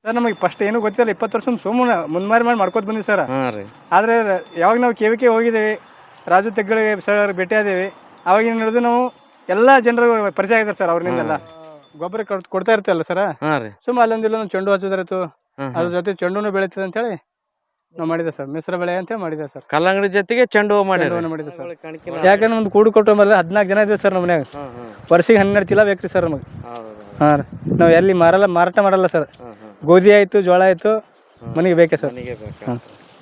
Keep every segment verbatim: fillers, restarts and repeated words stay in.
Sir ನಮಗೆ first ಏನು ಗೊತ್ತಿಲ್ಲ, ಇಪ್ಪತ್ತು ವರ್ಷ ಸುಮ್ಮನೆ ಮುಂದ್ಮಾರಿ ಮಾಡಿ ಮಾಡ್ಕೋತ ಬಂದಿವಿ ಸರ್. ಹಾಂ ರೀ. ಆದರೆ ಯಾವಾಗ ನಾವು ಕೆ ವಿ ಕೆ ಹೋಗಿದ್ದೀವಿ, ರಾಜು ತೆಗ್ಗಳಿಗೆ ಸರ್ ಭೇಟಿ ಆದೇವಿ, ಅವಾಗಿನ ನಡೆದು ನಾವು ಎಲ್ಲ ಜನರು ಪರಿಚಯ ಆಗಿದ್ದಾರೆ ಸರ್. ಅವ್ರನ್ನೆಲ್ಲ ಗೊಬ್ಬರ ಕೊಡ್ತಾ ಇರ್ತಲ್ಲ ಸರ್. ಹಾಂ ರೀ. ಸುಮ್ಮ ಅಲ್ಲೊಂದಿಲ್ಲ ಒಂದು ಚೆಂಡು ಹಚ್ಚಿದ್ರಿತ್ತು, ಅದ್ರ ಜೊತೆ ಚೆಂಡುನು ಬೆಳೀತದೆ ಅಂತೇಳಿ ನಾವು ಮಾಡಿದೆ ಸರ್. ಮಿಶ್ರ ಬೆಳೆ ಅಂತ ಮಾಡಿದೆ ಸರ್. ಕಲ್ಲಂಗಡಿ ಜೊತೆಗೆ ಚೆಂಡು ಹೂವು ಮಾಡಿ ಮಾಡಿದೆ ಸರ್. ಯಾಕಂದ್ರೆ ಒಂದು ಕೂಡು ಕೊಟ್ಟು ಮೇಲೆ ಹದಿನಾಲ್ಕು ಜನ ಇದೆ ಸರ್ ನಮ್ಮ ಮನ್ಯಾಗ. ವರ್ಷಿಗೆ ಹನ್ನೆರಡು ಚೀಲ ಬೇಕ್ರಿ ಸರ್ ನಮಗೆ. ಹಾಂ ರೀ. ನಾವು ಎಲ್ಲಿ ಮಾರಲ್ಲ, ಮಾರಾಟ ಮಾಡಲ್ಲ ಸರ್. ಗೋಧಿ ಆಯಿತು, ಜೋಳ ಆಯಿತು, ಮನೆಗೆ ಬೇಕೇ ಸರ್. ಹಾಂ.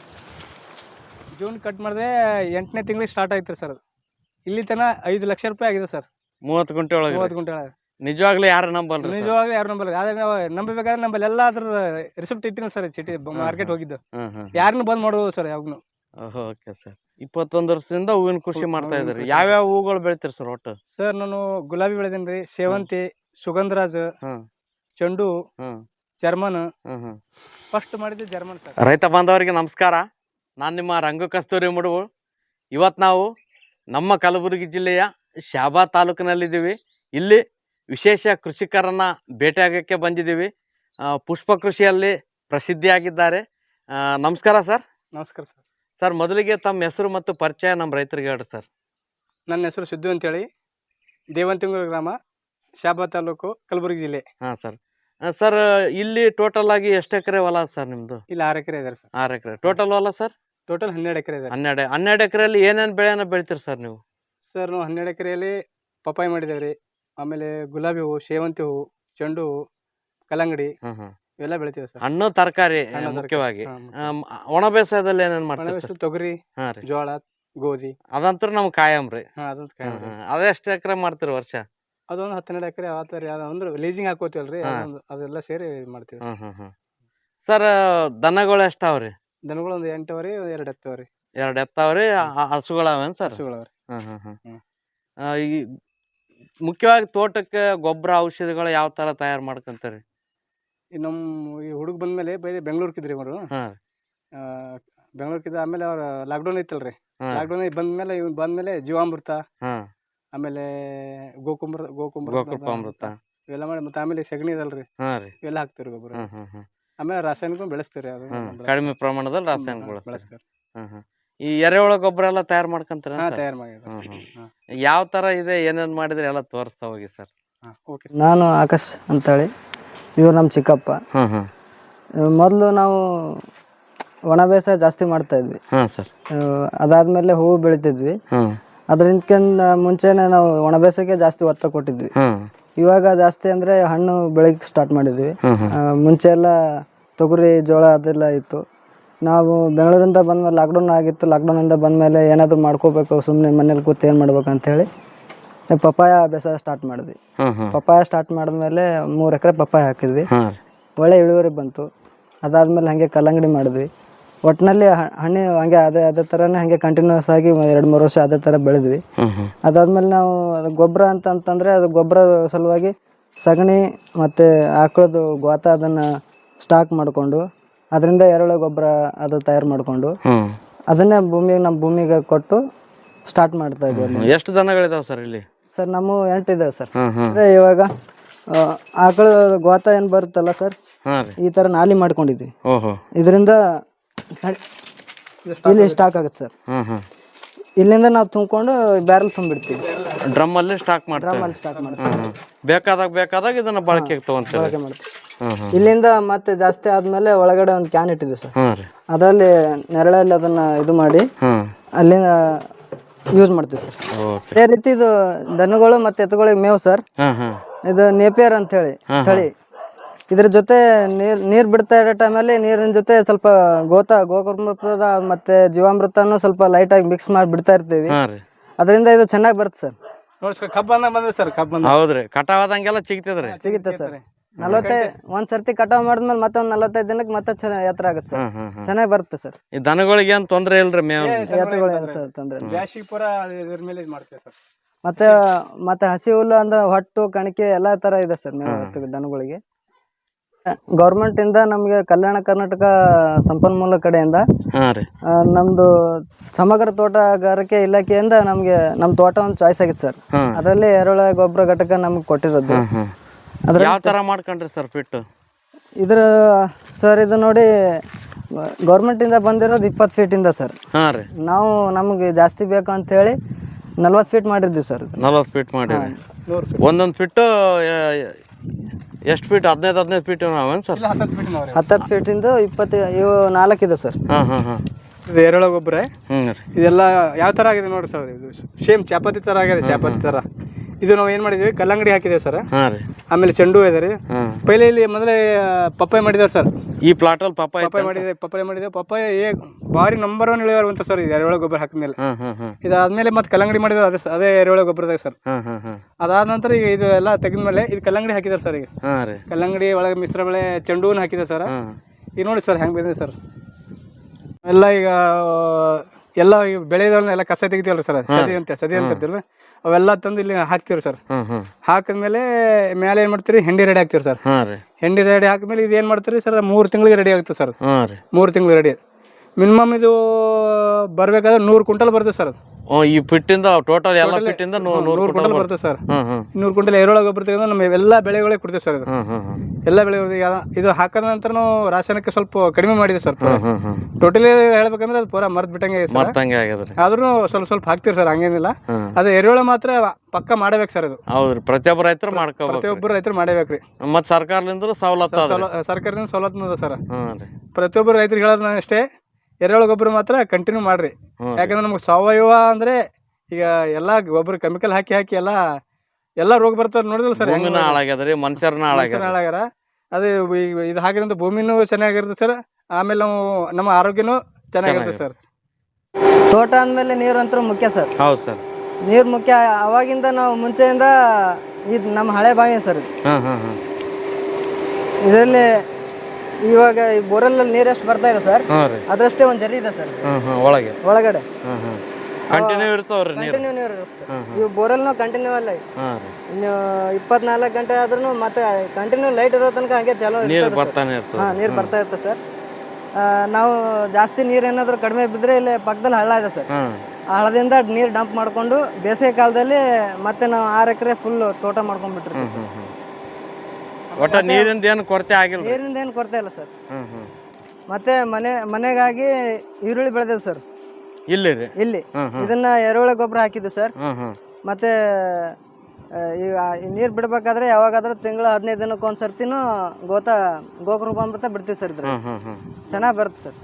ಜೂನ್ ಕಟ್ ಮಾಡಿದ್ರೆ ಎಂಟನೇ ತಿಂಗಳಿಗೆ ಸ್ಟಾರ್ಟ್ ಆಯ್ತು ಸರ್. ಅದು ಇಲ್ಲಿ ತನಕ ಐದು ಲಕ್ಷ ರೂಪಾಯಿ ಆಗಿದೆ ಸರ್. ಮೂವತ್ತು ಗುಂಟೆ ಒಳಗೆ. ಮೂವತ್ತು ಗುಂಟೆ ಒಳಗೆ. ನಿಜವಾಗ್ಲೂ ಯಾರು ನಂಬಲ್ರಿ? ನಿಜವಾಗ್ಲೂ ಯಾರು ನಂಬಲ್ಲ. ಆದ್ರೆ ನಾವು ನಂಬಬೇಕಾದ್ರೆ ನಮ್ಮಲ್ಲಿ ಎಲ್ಲ ಅದ್ರ ರಿಸಿಪ್ಟ್ ಇಟ್ಟಿನ ಸರ್. ಚೀಟಿ ಮಾರ್ಕೆಟ್ ಹೋಗಿದ್ದು ಯಾರನ್ನು ಬಂದ್ ಮಾಡ್ಬೋದು ಸರ್ ಯಾವಾಗ್ನು. Okay sir. ಇಪ್ಪತ್ತೊಂದು ವರ್ಷದಿಂದ ಹೂವಿನ ಕೃಷಿ ಮಾಡ್ತಾ ಇದ್ರಿ. ಯಾವ್ಯಾವ ಹೂಗಳು ಬೆಳಿತೀರಿ ಸರ್ ಒಟ್ಟು? ಸರ್ ನಾನು ಗುಲಾಬಿ ಬೆಳೆದೇನಿ ರೀ, ಸೇವಂತಿ, ಸುಗಂಧರಾಜ್, ಚೆಂಡು, ಜರ್ಮನ್. ಫಸ್ಟ್ ಮಾಡಿದ್ದು ಜರ್ಮನ್ ಸರ್. ರೈತ ಬಾಂಧವರಿಗೆ ನಮಸ್ಕಾರ. ನಾನು ನಿಮ್ಮ ರಂಗು ಕಸ್ತೂರಿ ಮುಡುವು. ಇವತ್ತು ನಾವು ನಮ್ಮ ಕಲಬುರಗಿ ಜಿಲ್ಲೆಯ ಶಾಬಾ ತಾಲೂಕಿನಲ್ಲಿದ್ದೀವಿ. ಇಲ್ಲಿ ವಿಶೇಷ ಕೃಷಿಕರನ್ನು ಭೇಟಿಯಾಗಕ್ಕೆ ಬಂದಿದ್ದೀವಿ. ಪುಷ್ಪ ಕೃಷಿಯಲ್ಲಿ ಪ್ರಸಿದ್ಧಿಯಾಗಿದ್ದಾರೆ. ನಮಸ್ಕಾರ ಸರ್. ನಮಸ್ಕಾರ ಸರ್. ಸರ್, ಮೊದಲಿಗೆ ತಮ್ಮ ಹೆಸರು ಮತ್ತು ಪರಿಚಯ ನಮ್ಮ ರೈತರಿಗೆ ಹೇಳ್ರಿ ಸರ್. ನನ್ನ ಹೆಸರು ಸಿದ್ದು ಅಂತೇಳಿ, ದೇವಂತಿಂಗೂರು ಗ್ರಾಮ, ಶಾಬಾ ತಾಲೂಕು, ಕಲಬುರಗಿ ಜಿಲ್ಲೆ. ಹಾಂ ಸರ್. ಸರ್, ಇಲ್ಲಿ ಟೋಟಲ್ ಆಗಿ ಎಷ್ಟು ಎಕರೆ ಹೊಲ ಸರ್ ನಿಮ್ಮದು? ಇಲ್ಲಿ ಆರು ಎಕರೆ ಇದೆ ಸರ್. ಆರು ಎಕರೆ ಟೋಟಲ್ ಹೊಲ ಸರ್? ಟೋಟಲ್ ಹನ್ನೆರಡು ಎಕರೆ ಇದೆ. ಹನ್ನೆರಡು ಹನ್ನೆರಡು ಎಕರೆಯಲ್ಲಿ ಏನೇನು ಬೆಳೆಯನ್ನು ಬೆಳಿತೀರಿ ಸರ್ ನೀವು? ಸರ್, ನಾವು ಹನ್ನೆರಡು ಎಕರೆಯಲ್ಲಿ ಪಪ್ಪಾಯಿ ಮಾಡಿದ್ದೇವೆ ರೀ, ಆಮೇಲೆ ಗುಲಾಬಿ ಹೂವು, ಸೇವಂತಿ ಹೂವು, ಚೆಂಡು ಹೂವು, ಕಲ್ಲಂಗಡಿ ಇವೆಲ್ಲ ಬೆಳಿತೀವಿ ಸರ್. ಹಣ್ಣು ತರಕಾರಿ ಮುಖ್ಯವಾಗಿ. ಒಣ ಬೇಸಾಯದಲ್ಲಿ ಏನೇನು ಮಾಡ್ತೀವಿ? ತೊಗರಿ, ಜೋಳ, ಗೋಧಿ. ಅದಂತೂ ನಮ್ಗೆ ಕಾಯಂ ರೀ. ಅದೆಷ್ಟು ಎಕರೆ ಮಾಡ್ತೀರಿ ವರ್ಷ? ಅದೊಂದು ಹತ್ತೆರಡು ಎಕರೆ ಆತಾರೆ. ಅಂದ್ರೆ ಲೀಸಿಂಗ್ ಹಾಕೋತೀವಲ್ರಿ, ಅದೆಲ್ಲ ಸೇರಿ ಮಾಡ್ತೀವಿ. ಸರ್, ದನಗಳು ಎಷ್ಟಾವ್ರಿ? ದನಗಳು ಒಂದು ಎಂಟವರಿ, ಎರಡು ಎತ್ತವರಿ. ಎರಡು ಎತ್ತವ್ರಿ. ಹಸುಗಳವೇನು ಸರ್? ಹಸುಗಳವ್ರಿ. ಹ್ಮ್ ಹ್ಮ್ ಹ್ಮ್ ಈ ಮುಖ್ಯವಾಗಿ ತೋಟಕ್ಕೆ ಗೊಬ್ಬರ ಔಷಧಿಗಳು ಯಾವ ತರ ತಯಾರು ಮಾಡ್ಕೊಂತಾರೆ? ಈ ನಮ್ಮ ಈ ಹುಡುಗ ಬಂದ್ಮೇಲೆ ಬೈ ಬೆಂಗ್ಳೂರ್ಕಿದ್ರಿ ಅವರು. ಬೆಂಗ್ಳೂರ್ಕಿದ್ದ ಆಮೇಲೆ ಅವ್ರ ಲಾಕ್ಡೌನ್ ಐತಲ್ರಿ, ಲಾಕ್ಡೌನ್ ಬಂದ್ಮೇಲೆ ಇವ್ ಬಂದ್ಮೇಲೆ ಜೀವಾಮೃತ, ಆಮೇಲೆ ಗೋಕುಂಬ ಗೋಕುಂಬ ಇವೆಲ್ಲ ಮಾಡಿ, ಮತ್ತೆ ಆಮೇಲೆ ಸಗಣಿ ಇದಲ್ರಿ ಇವೆಲ್ಲ ಹಾಕ್ತಿವ್ರಿ ಗೊಬ್ಬರ. ಆಮೇಲೆ ರಾಸಾಯನಿಕ ಬೆಳೆಸ್ತೀರಿ, ಅದು ಕಡಿಮೆ ಪ್ರಮಾಣದಲ್ಲಿ ರಾಸಾಯನಿಕ ಬೆಳೆಸ್ತೀರಿ. ಈ ಎರೆಹುಳ ಗೊಬ್ಬರ ಎಲ್ಲ ತಯಾರು ಮಾಡ್ಕೊಂತಾರ? ತಯಾರು ಮಾಡಿ. ಯಾವ ತರ ಇದೆ, ಏನೇನ್ ಮಾಡಿದ್ರೆ ಎಲ್ಲ ತೋರಿಸ್ತಾ ಹೋಗಿ ಸರ್. ನಾನು ಆಕಾಶ್ ಅಂತೇಳಿ, ಇವ್ರು ನಮ್ಮ ಚಿಕ್ಕಪ್ಪ. ಮೊದಲು ನಾವು ಒಣ ಬೇಸಾಯ ಜಾಸ್ತಿ ಮಾಡ್ತಾ ಇದ್ವಿ ಸರ್. ಅದಾದ್ಮೇಲೆ ಹೂವು ಬೆಳಿತಿದ್ವಿ. ಅದರಿಂದ ಮುಂಚೆನೆ ನಾವು ಒಣ ಬೇಸಾಯಕ್ಕೆ ಜಾಸ್ತಿ ಒತ್ತ ಕೊಟ್ಟಿದ್ವಿ. ಇವಾಗ ಜಾಸ್ತಿ ಅಂದ್ರೆ ಹಣ್ಣು ಬೆಳಿಗ್ಗೆ ಸ್ಟಾರ್ಟ್ ಮಾಡಿದ್ವಿ. ಮುಂಚೆ ಎಲ್ಲ ತೊಗರಿ, ಜೋಳ ಅದೆಲ್ಲ ಇತ್ತು. ನಾವು ಬೆಂಗಳೂರಿಂದ ಬಂದ್ಮೇಲೆ ಲಾಕ್ಡೌನ್ ಆಗಿತ್ತು. ಲಾಕ್ಡೌನಿಂದ ಬಂದಮೇಲೆ ಏನಾದರೂ ಮಾಡ್ಕೋಬೇಕು, ಸುಮ್ಮನೆ ಮನೇಲಿ ಕೂತು ಏನು ಮಾಡ್ಬೇಕು ಅಂತೇಳಿ ಪಪ್ಪಾಯ ಬೇಸಾಯ ಸ್ಟಾರ್ಟ್ ಮಾಡಿದ್ವಿ. ಪಪ್ಪಾಯ ಸ್ಟಾರ್ಟ್ ಮಾಡಿದ್ಮೇಲೆ ಮೂರು ಎಕರೆ ಪಪ್ಪಾಯ ಹಾಕಿದ್ವಿ. ಒಳ್ಳೆ ಇಳುವರಿ ಬಂತು. ಅದಾದ್ಮೇಲೆ ಹಾಗೆ ಕಲ್ಲಂಗಡಿ ಮಾಡಿದ್ವಿ. ಒಟ್ಟಿನಲ್ಲಿ ಹಣ್ಣು ಹಂಗೆ ಅದೇ ಅದೇ ಥರನೇ ಹಾಗೆ ಕಂಟಿನ್ಯೂಸ್ ಆಗಿ ಎರಡು ಮೂರು ವರ್ಷ ಅದೇ ಥರ ಬೆಳೆದ್ವಿ. ಅದಾದ್ಮೇಲೆ ನಾವು ಅದು ಗೊಬ್ಬರ ಅಂತ ಅಂತಂದರೆ ಅದು ಗೊಬ್ಬರ ಸಲುವಾಗಿ ಸಗಣಿ ಮತ್ತು ಆಕಳದು ಗೋತ ಅದನ್ನು ಸ್ಟಾಕ್ ಮಾಡಿಕೊಂಡು ಅದರಿಂದ ಎರೆಹುಳ ಗೊಬ್ಬರ ಅದು ತಯಾರು ಮಾಡಿಕೊಂಡು ಅದನ್ನೇ ಭೂಮಿಗೆ ನಮ್ಮ ಭೂಮಿಗೆ ಕೊಟ್ಟು ಸ್ಟಾರ್ಟ್ ಮಾಡ್ತಾ ಇದ್ವಿ. ಎಷ್ಟು ದನಗಳಿದಾವೆ ಸರ್ ಇಲ್ಲಿ? ಸರ್ ನಮ್ಮ ಎಂಟು ಇದಾವೆ ಸರ್. ಅದೇ ಇವಾಗ ಆಕಳ ಗೋತ ಏನು ಬರುತ್ತಲ್ಲ ಸರ್, ಈ ಥರ ನಾಲಿ ಮಾಡ್ಕೊಂಡಿದ್ವಿ. ಇದರಿಂದ ಇಲ್ಲಿ ಸ್ಟಾಕ್ ಆಗುತ್ತೆ ಸರ್. ಇಲ್ಲಿಂದ ನಾವು ತುಂಬಿಕೊಂಡು ಬ್ಯಾರಲ್ ತುಂಬಿಡ್ತೀವಿ. ಡ್ರಮ್ ಅಲ್ಲಿ ಸ್ಟಾಕ್ ಮಾಡ್ತೀವಿ. ಡ್ರಮ್ ಅಲ್ಲಿ ಸ್ಟಾಕ್ ಮಾಡ್ತೀವಿ. ಬೇಕಾದಾಗ ಬೇಕಾದಾಗ ಇದನ್ನ ಬಳಕೆಗೆ ತಗೊಂತೀವಿ. ಬಳಕೆ ಮಾಡ್ತೀವಿ. ಇಲ್ಲಿಂದ ಮತ್ತೆ ಜಾಸ್ತಿ ಆದ್ಮೇಲೆ ಒಳಗಡೆ ಒಂದು ಕ್ಯಾನ್ ಇಟ್ಟಿದ್ವಿ ಸರ್. ಅದರಲ್ಲಿ ನೆರಳಲ್ಲಿ ಅದನ್ನ ಇದು ಮಾಡಿ ಅಲ್ಲಿಂದ ಯೂಸ್ ಮಾಡ್ತೀವಿ ಸರ್. ಅದೇ ರೀತಿ ಇದು ದನಗಳು ಮತ್ತೆ ಎತ್ತುಗಳಿಗೆ ಮೇವು ಸರ್. ಇದು ನೇಪಿಯರ್ ಅಂತ ಹೇಳಿ ತಳಿ. ಇದ್ರ ಜೊತೆ ನೀರ್ ನೀರ್ ಬಿಡ್ತಾ ಇರೋ ಟೈಮಲ್ಲಿ ನೀರಿನ ಜೊತೆ ಸ್ವಲ್ಪ ಗೋತ ಗೋಕೃಮೃತದ ಮತ್ತೆ ಜೀವಾಮೃತನು ಸ್ವಲ್ಪ ಲೈಟ್ ಆಗಿ ಮಿಕ್ಸ್ ಮಾಡಿ ಬಿಡ್ತಾ ಇರ್ತೀವಿ. ಅದರಿಂದ ಇದು ಚೆನ್ನಾಗಿ ಬರುತ್ತೆ ಸರ್. ಕಬ್ಬ ಬಂದ್ರೆ ಸರ್, ಕಬ್ಬ ಹೌದ್ರಿ, ಕಟಾವಾದಂಗೆಲ್ಲ ಸಿಗ್ತದ್ರಿ. ಸಿಗುತ್ತೆ ಸರ್. ನಲವತ್ತೈದು ಒಂದ್ ಸರ್ತಿ ಕಟಾವ್ ಮಾಡಿದ್ಮೇಲೆ ಮತ್ತೆ ಒಂದ್ ನಲವತ್ತೈದು ದಿನಕ್ಕೆ ಮತ್ತೆ ಎತ್ತರ ಆಗುತ್ತೆ ಸರ್. ಚೆನ್ನಾಗಿ ಬರುತ್ತೆ ಸರ್. ಈ ದನಗಳಿಗೆ ಏನ್ ತೊಂದ್ರೆ ಇಲ್ರಿ ಮೇವು? ಎತ್ತುಗಳಿಗೆ ಸರ್ ತೊಂದ್ರೆ ಮಾಡ್ತೇವೆ ಸರ್. ಮತ್ತೆ ಮತ್ತೆ ಹಸಿ ಹುಲ್ಲು ಅಂದ್ರೆ ಹೊಟ್ಟು ಕಣಿಕೆ ಎಲ್ಲಾ ತರ ಇದೆ ಸರ್ ಮೇವು ದನಗಳಿಗೆ. ಗೌರ್ಮೆಂಟ್ ಇಂದ ನಮ್ಗೆ ಕಲ್ಯಾಣ ಕರ್ನಾಟಕ ಸಂಪನ್ಮೂಲ ಕಡೆಯಿಂದ ನಮ್ದು ಸಮಗ್ರ ತೋಟಗಾರಿಕೆ ಇಲಾಖೆಯಿಂದ ನಮ್ಗೆ ನಮ್ ತೋಟ ಒಂದು ಚಾಯ್ಸ್ ಆಗಿತ್ತು ಸರ್. ಅದರಲ್ಲಿ ಎರೆಹುಳ ಗೊಬ್ಬರ ಘಟಕ ನಮ್ಗೆ ಕೊಟ್ಟಿರೋದು. ಯಾವ ತರ ಮಾಡ್ಕೊಂಡ್ರಿ ಸರ್ ಫಿಟ್? ಇದ್ರ ಸರ್ ಇದು ನೋಡಿ ಗೌರ್ಮೆಂಟಿಂದ ಬಂದಿರೋದು ಇಪ್ಪತ್ತು ಫೀಟಿಂದ ಸರ್. ಹಾಂ ರೀ. ನಾವು ನಮಗೆ ಜಾಸ್ತಿ ಬೇಕು ಅಂತೇಳಿ ನಲ್ವತ್ತು ಫೀಟ್ ಮಾಡಿದ್ವಿ ಸರ್. ನಲ್ವತ್ತು ಫೀಟ್ ಮಾಡಿ ಒಂದೊಂದು ಫಿಟ್ಟು ಎಷ್ಟು ಫೀಟ್? ಹದಿನೈದು ಹದಿನೈದು ಫೀಟ್ ನಾವೇನು ಸರ್? ಹತ್ತತ್ತು ಫೀಟಿಂದ ಇಪ್ಪತ್ತು ಇವು ನಾಲ್ಕಿದೆ ಸರ್. ಹಾಂ ಹಾಂ ಹಾಂ. ಇದು ಎರೆಹುಳ ಗೊಬ್ಬರ. ಹ್ಞೂ ರೀ. ಇದೆಲ್ಲ ಯಾವ ಥರ ಆಗಿದೆ ನೋಡಿ ಸರ್, ಇದು ಸೇಮ್ ಚಾಪಾತಿ ಥರ ಆಗಿದೆ, ಚಾಪಾತಿ ಥರ. ಇದು ನಾವು ಏನು ಮಾಡಿದ್ವಿ, ಕಲ್ಲಂಗಡಿ ಹಾಕಿದ್ದೇವೆ ಸರ್. ಹಾಂ ರೀ. ಆಮೇಲೆ ಚೆಂಡು ಇದೆ ರೀ. ಪೈಲೆ ಇಲ್ಲಿ ಮೊದಲೇ ಪಪ್ಪಾಯ ಮಾಡಿದ್ದಾರೆ ಸರ್. ಈ ಪ್ಲಾಟಲ್ಲಿ ಪಪ್ಪಾಯ ಪಪ್ಪಾಯ ಮಾಡಿದೆ ಪಪ್ಪಾಯ ಮಾಡಿದೆ ಪಪ್ಪಾಯ ಏ ಭಾರಿ ನಂಬರ್ ಒನ್ ಇಳುವರಿ ಅಂತ ಸರ್. ಇದು ಎರೆಹುಳ ಗೊಬ್ಬರ ಹಾಕಿದ್ಮೇಲೆ ಇದಾದ್ಮೇಲೆ ಮತ್ತೆ ಕಲ್ಲಂಗಡಿ ಮಾಡಿದ್ರೆ ಅದೇ ಅದೇ ಎರೆಹುಳ ಗೊಬ್ಬರದಾಗ ಸರ್. ಅದಾದ ನಂತರ ಈಗ ಇದು ಎಲ್ಲ ತೆಗೆದ್ಮೇಲೆ ಇದು ಕಲ್ಲಂಗಡಿ ಹಾಕಿದ್ದಾರೆ ಸರ್. ಈಗ ಕಲ್ಲಂಗಡಿ ಒಳಗೆ ಮಿಶ್ರ ಬೆಳೆ ಚೆಂಡು ಹೂವನ್ನು ಹಾಕಿದ್ದಾರೆ ಸರ್. ಈಗ ನೋಡಿ ಸರ್ ಹೆಂಗೆ ಬಂದಿದೆ ಸರ್. ಎಲ್ಲ ಈಗ ಎಲ್ಲ ಬೆಳೆದವ್ರನ್ನ ಎಲ್ಲ ಕಸ ತೆಗಿತೀವಲ್ಲ ಸರ್, ಸದಿ ಅಂತ ಸದಿ ಅಂತ ಇರ್ತೀವಲ್ಲ, ಅವೆಲ್ಲ ತಂದು ಇಲ್ಲಿ ಹಾಕ್ತಿವ್ರಿ ಸರ್. ಹಾಕಿದ್ಮೇಲೆ ಮೇಲೆ ಏನ್ ಮಾಡ್ತೀರಿ, ಹೆಂಡಿ ರೆಡಿ ಹಾಕ್ತಿವ್ರಿ ಸರ್. ಹೆಂಡಿ ರೆಡಿ ಹಾಕಿದ್ಮೇಲೆ ಇದು ಏನ್ ಮಾಡ್ತೀರಿ ಸರ್, ಮೂರು ತಿಂಗಳಿಗೆ ರೆಡಿ ಆಗುತ್ತೆ ಸರ್. ಮೂರು ತಿಂಗಳಿಗೆ ರೆಡಿ. ಮಿನಿಮಮ್ ಇದು ಬರ್ಬೇಕಾದ್ರೆ ನೂರು ಕ್ವಿಂಟಲ್ ಬರ್ತದೆ ಸರ್. ಈ ಫಿಟ್ಟಿಂದ ಟೋಟಲ್ ಎಲ್ಲ ಫಿಟ್ಟಿಂದ ನೂರು ಕ್ವಿಂಟಲ್ ಬರ್ತದೆ ಸರ್. ನೂರು ಕ್ವಿಂಟಲ್ ಎರೆಹುಳ ಗೊಬ್ಬರ ತೆಗೆದು ನಮ್ಮ ಎಲ್ಲ ಬೆಳೆಗಳಿಗೆ ಕೊಡ್ತೇವೆ ಸರ್. ಇದು ಎಲ್ಲ ಬೆಳೆಗಳಿಗೆ ಇದು ಹಾಕಿದ ನಂತರ ನಾವು ರಾಸಾಯನಿಕ ಸ್ವಲ್ಪ ಕಡಿಮೆ ಮಾಡಿದೆ ಸರ್. ಟೋಟಲಿ ಹೇಳ್ಬೇಕಂದ್ರೆ ಅದು ಪೂರಾ ಮರ್ತ್ ಬಿಟ್ಟಂಗೆ ಆದ್ರೂ ಸ್ವಲ್ಪ ಸ್ವಲ್ಪ ಹಾಕ್ತಿರಿ ಸರ್, ಹಂಗೇನಿಲ್ಲ. ಅದು ಎರೆಹುಳ ಮಾತ್ರ ಪಕ್ಕ ಮಾಡಬೇಕು ಸರ್. ಅದು ಹೌದ್ರಿ, ಪ್ರತಿಯೊಬ್ಬ ರೈತರು ಮಾಡ್ಕೋ ಪ್ರತಿಯೊಬ್ಬರು ರೈತರು ಮಾಡಬೇಕ್ರಿ. ಮತ್ ಸರ್ಕಾರದಿಂದ ಸವಲತ್ತು ಸರ್ಕಾರದಿಂದ ಸವಲತ್ತು ಅದ ಸರ್. ಪ್ರತಿಯೊಬ್ಬರು ರೈತರಿಗೆ ಹೇಳೋದ್ ನಾನು ಅಷ್ಟೇ, ಎರೆಹುಳ ಗೊಬ್ಬರ ಮಾತ್ರ ಕಂಟಿನ್ಯೂ ಮಾಡ್ರಿ. ಯಾಕಂದ್ರೆ ನಮ್ಗೆ ಸಾವಯವ ಅಂದ್ರೆ ಈಗ ಎಲ್ಲಾ ಗೊಬ್ಬರ ಕೆಮಿಕಲ್ ಹಾಕಿ ಹಾಕಿ ಎಲ್ಲ ಎಲ್ಲಾ ರೋಗ ಬರ್ತಾರ ನೋಡಿದ್ರಲ್ಲ ಸರ್. ಹಾಳಾಗ್ಯದ್ರಿ, ಮನುಷ್ಯರನ್ನ ಹಾಳಾಗ್ಯಾರ. ಅದು ಇದು ಹಾಕಿದಂತ ಭೂಮಿನೂ ಚೆನ್ನಾಗಿರುತ್ತೆ ಸರ್. ಆಮೇಲೆ ನಾವು ನಮ್ಮ ಆರೋಗ್ಯನೂ ಚೆನ್ನಾಗಿರುತ್ತೆ ಸರ್. ತೋಟ ಅಂದ್ಮೇಲೆ ನೀರು ಅಂತೂ ಮುಖ್ಯ ಸರ್. ಹೌದು ಸರ್, ನೀರು ಮುಖ್ಯ. ಅವಾಗಿಂದ ನಾವು ಮುಂಚೆಯಿಂದ ಇದು ನಮ್ಮ ಹಳೆ ಬಾವಿ ಸರ್. ಇದರಲ್ಲಿ ಇವಾಗ ಈ ಬೋರಲ್ಲಿ ನೀರು ಎಷ್ಟು ಬರ್ತಾ ಇದೆ ಸರ್, ಅದರಷ್ಟೇ ಒಂದ್ ಜರಿ ಇದೆ ಸರ್ ಒಳಗೆ ಒಳಗಡೆ. ಕಂಟಿನ್ಯೂ ಇರ್ತಾವ್ರಿ ನೀರು. ಕಂಟಿನ್ಯೂ ನೀರು ಇರುತ್ತೆ ಸರ್. ಇವು ಬೋರಲ್ನು ಕಂಟಿನ್ಯೂ ಅಲ್ಲ, ಇನ್ನು ಇಪ್ಪತ್ನಾಲ್ಕು ಗಂಟೆ ಆದ್ರೂ ಮತ್ತೆ ಕಂಟಿನ್ಯೂ ಲೈಟ್ ಇರೋ ತನಕ ಹಂಗೆ ಚಾಲೂ ನೀರು ಬರ್ತಾನೆ ಇರ್ತದೆ. ಹಾ, ನೀರು ಬರ್ತಾ ಇರುತ್ತೆ ಸರ್. ನಾವು ಜಾಸ್ತಿ ನೀರು ಏನಾದ್ರು ಕಡಿಮೆ ಬಿದ್ದರೆ ಇಲ್ಲಿ ಪಕ್ಕದಲ್ಲಿ ಹಳ್ಳ ಇದೆ ಸರ್. ಆ ಹಳ್ಳದಿಂದ ನೀರು ಡಂಪ್ ಮಾಡ್ಕೊಂಡು ಬೇಸಿಗೆ ಕಾಲದಲ್ಲಿ ಮತ್ತೆ ನಾವು ಆರು ಎಕರೆ ಫುಲ್ ತೋಟ ಮಾಡ್ಕೊಂಡ್ಬಿಟ್ಟಿರ್ತೀವಿ. ಒಟ್ಟ ನೀರಿಂದ ಏನು ಕೊರತೆ ಆಗಿಲ್ಲ. ನೀರಿಂದ ಏನು ಕೊರತೆ ಇಲ್ಲ ಸರ್. ಮತ್ತೆ ಮನೆ ಮನೆಗಾಗಿ ಈರುಳ್ಳಿ ಬೆಳೆದೇವ್ ಸರ್ ಇಲ್ಲಿ ರೀ. ಇಲ್ಲಿ ಇದನ್ನ ಎರೆಹುಳ ಗೊಬ್ಬರ ಹಾಕಿದ್ವಿ ಸರ್. ಮತ್ತೆ ಈಗ ನೀರ್ ಬಿಡ್ಬೇಕಾದ್ರೆ ಯಾವಾಗಾದ್ರೂ ತಿಂಗಳ ಹದಿನೈದು ದಿನಕ್ಕೆ ಒಂದ್ ಸರ್ತಿನೂ ಗೋತ ಗೋಕೃಪಾಮೃತ ಬಿಡ್ತೀವಿ ಸರ್. ಇದ್ರ ಚೆನ್ನಾಗ್ ಬರುತ್ತೆ ಸರ್.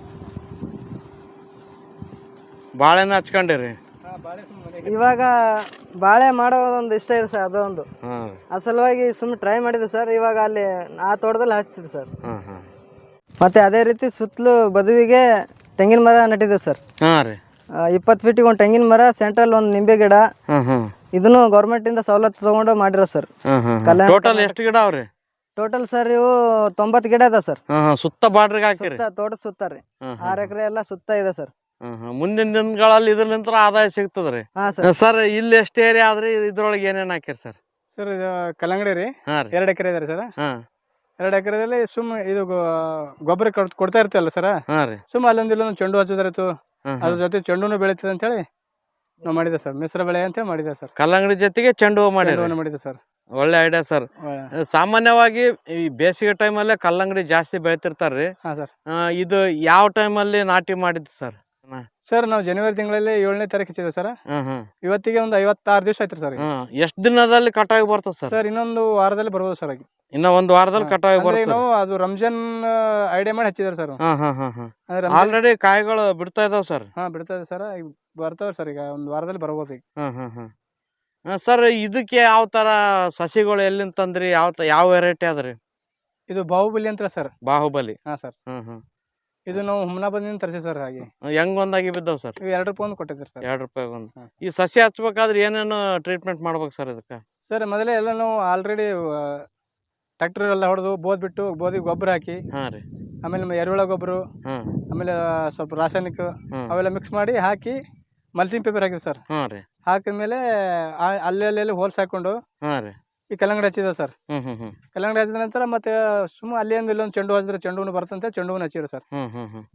ಬಾಳೆನ ಹಚ್ಕೊಂಡಿರಿ? ಇವಾಗ ಬಾಳೆ ಮಾಡೋ ಒಂದು ಇಷ್ಟ ಇದೆ ಸರ್, ಅದೊಂದು ಆ ಸಲುವಾಗಿ ಸುಮ್ಮನೆ ಟ್ರೈ ಮಾಡಿದ್ವಿ ಸರ್. ಇವಾಗ ಅಲ್ಲಿ ಆ ತೋಟದಲ್ಲಿ ಹಚ್ತಿದ್ವಿ ಸರ್. ಮತ್ತೆ ಅದೇ ರೀತಿ ಸುತ್ತಲೂ ಬದುವಿಗೆ ತೆಂಗಿನ ಮರ ನೆಟ್ಟಿದ್ವಿ ಸರ್. ಇಪ್ಪತ್ತು ಫೀಟಿಗೆ ಒಂದು ತೆಂಗಿನ ಮರ, ಸೆಂಟ್ರಲ್ ಒಂದು ನಿಂಬೆ ಗಿಡ. ಇದನ್ನು ಗೌರ್ಮೆಂಟ್ ಇಂದ ಸವಲತ್ತು ತಗೊಂಡು ಮಾಡಿರೋ ಸರ್. ಟೋಟಲ್ ಎಷ್ಟು ಗಿಡ ಅವ್ರಿ? ಟೋಟಲ್ ಸರ್ ಇವು ತೊಂಬತ್ತು ಗಿಡ ಇದೆ ಸರ್. ಸುತ್ತ ಬಾರ್ಡ್ರಿಗೆ ಹಾಕಿರಿ? ತೋಟ ಸುತ್ತ ರೀ, ಆರು ಎಕರೆ ಎಲ್ಲ ಸುತ್ತ ಇದೆ ಸರ್. ಮುಂದಿನ ದಿನಗಳಲ್ಲಿ ಇದ್ರಲಿಂತ್ರ ಆದಾಯ ಸಿಗ್ತದ್ರಿ ಸರ್. ಇಲ್ಲಿ ಎಷ್ಟು ಏರಿಯಾ ಆದ್ರಿ, ಇದ್ರೊಳಗೆ ಏನೇನ್ ಹಾಕಿರಿ ಸರ್? ಸರ್ ಇದು ಕಲ್ಲಂಗಡಿ ರೀ, ಎರಡು ಎಕರೆ ಇದೆ ಸರ್. ಎರಡು ಎಕರೆದಲ್ಲಿ ಸುಮ್ ಇದು ಗೊಬ್ಬರ ಕೊಡ್ತಾ ಇರ್ತೀವಲ್ಲ ಸರ್, ಸುಮ್ ಅಲ್ಲೊಂದು ಇಲ್ಲೊಂದು ಚೆಂಡು ಹಚ್ಚಿದ್ರಾಯ್ತು, ಅದ್ರ ಜೊತೆ ಚೆಂಡುನು ಬೆಳೀತದೆ ಅಂತ ಹೇಳಿ ನಾವು ಮಾಡಿದೆ ಸರ್. ಮಿಶ್ರ ಬೆಳೆ ಅಂತ ಮಾಡಿದೆ ಸರ್. ಕಲ್ಲಂಗಡಿ ಜೊತೆಗೆ ಚೆಂಡು ಹೂ ಮಾಡಿ ಮಾಡಿದೆ ಸರ್. ಒಳ್ಳೆ ಐಡಿಯಾ ಸರ್. ಸಾಮಾನ್ಯವಾಗಿ ಈ ಬೇಸಿಗೆ ಟೈಮಲ್ಲೇ ಕಲ್ಲಂಗಡಿ ಜಾಸ್ತಿ ಬೆಳಿತಿರ್ತಾರ್ರಿ. ಹಾ ಸರ್. ಇದು ಯಾವ ಟೈಮಲ್ಲಿ ನಾಟಿ ಮಾಡಿದ್ದು ಸರ್? ಸರ್ ನಾವು ಜನವರಿ ತಿಂಗಳಲ್ಲಿ ಏಳನೇ ತಾರೀಕು ಹಚ್ಚಿದ್ವಿ ಸರ್. ಇವತ್ತಿಗೆ ಒಂದು ಐವತ್ತಾರು ದಿವಸ ಆಯ್ತು ಸರ್. ಎಷ್ಟು ದಿನದಲ್ಲಿ ಕಟಾವಿ ಬರ್ತದೆ ಸರ್? ಸರ್ ಇನ್ನೊಂದು ವಾರದಲ್ಲಿ ಬರ್ಬೋದು ಸರ್. ಇನ್ನ ಒಂದು ವಾರದಲ್ಲಿ ಕಟಾವಿ ಬರ್ತದೆ. ನಾವು ಅದು ರಂಜಾನ್ ಐಡಿಯಾ ಮಾಡಿ ಹಚ್ಚಿದಾರೆ ಸರ್. ಆಲ್ರೆಡಿ ಕಾಯಿಗಳು ಬಿಡ್ತಾ ಇದಾವ ಸರ್? ಹಾ ಬಿಡ್ತಾ ಇದೆ ಸರ್, ಬರ್ತಾವ ಸರ್. ಈಗ ಒಂದು ವಾರದಲ್ಲಿ ಬರ್ಬೋದು ಈಗ. ಸರ್ ಇದಕ್ಕೆ ಯಾವ ತರ ಸಸಿಗಳು ಎಲ್ಲಿಂದ ತಂದ್ರಿ? ಯಾವ ಯಾವ ವೆರೈಟಿ ಅದ್ರಿ? ಇದು ಬಾಹುಬಲಿ ಅಂತ ಸರ್. ಬಾಹುಬಲಿ? ಹಾ ಸರ್. ಇದು ನಾವು ಹುಮ್ನಾಬಾದಿಂದ ತರಿಸಿ ಸರ್. ಹಾಗೆ ಹೆಂಗ್ ಒಂದಾಗಿ ಬಿದ್ದಾವ ಸರ್? ಎರಡು ರೂಪಾಯಿ ಒಂದು ಕೊಟ್ಟಿದ್ರಿ ಸರ್. ಎರಡು ರೂಪಾಯಿ ಒಂದು. ಈ ಸಸಿ ಹಚ್ಬೇಕಾದ್ರೆ ಏನೇನು ಟ್ರೀಟ್ಮೆಂಟ್ ಮಾಡ್ಬೇಕು ಸರ್ ಇದಕ್ಕೆ? ಸರ್ ಮೊದಲೇ ಎಲ್ಲ ನಾವು ಆಲ್ರೆಡಿ ಟ್ರ್ಯಾಕ್ಟರ್ ಎಲ್ಲ ಹೊಡೆದು ಬೋದ್ ಬಿಟ್ಟು ಬೋದಿಗೆ ಗೊಬ್ಬರ ಹಾಕಿ, ಆಮೇಲೆ ಎರೆಹುಳ ಗೊಬ್ಬರ, ಆಮೇಲೆ ಸ್ವಲ್ಪ ರಾಸಾಯನಿಕ ಅವೆಲ್ಲ ಮಿಕ್ಸ್ ಮಾಡಿ ಹಾಕಿ ಮಲ್ಚಿಂಗ್ ಪೇಪರ್ ಹಾಕಿದ್ವಿ ಸರ್. ಹಾಕಿದ್ಮೇಲೆ ಅಲ್ಲಿ ಅಲ್ಲಿ ಹೋಲ್ಸ್ ಹಾಕೊಂಡು ಈ ಕಲ್ಲಂಗಡಿ ಹಚ್ಚಿದ ಸರ್. ಕಲ್ಲಂಗಡಿ ಹಚ್ಚಿದ ನಂತರ ಮತ್ತೆ ಸುಮ್ಮ ಅಲ್ಲಿ ಒಂದು ಇಲ್ಲೊಂದು ಚೆಂಡು ಹಚ್ಚಿದ್ರೆ ಚೆಂಡು ಬರ್ತಂತೆ ಚೆಂಡು ಹಚ್ಚಿದ್ರು ಸರ್.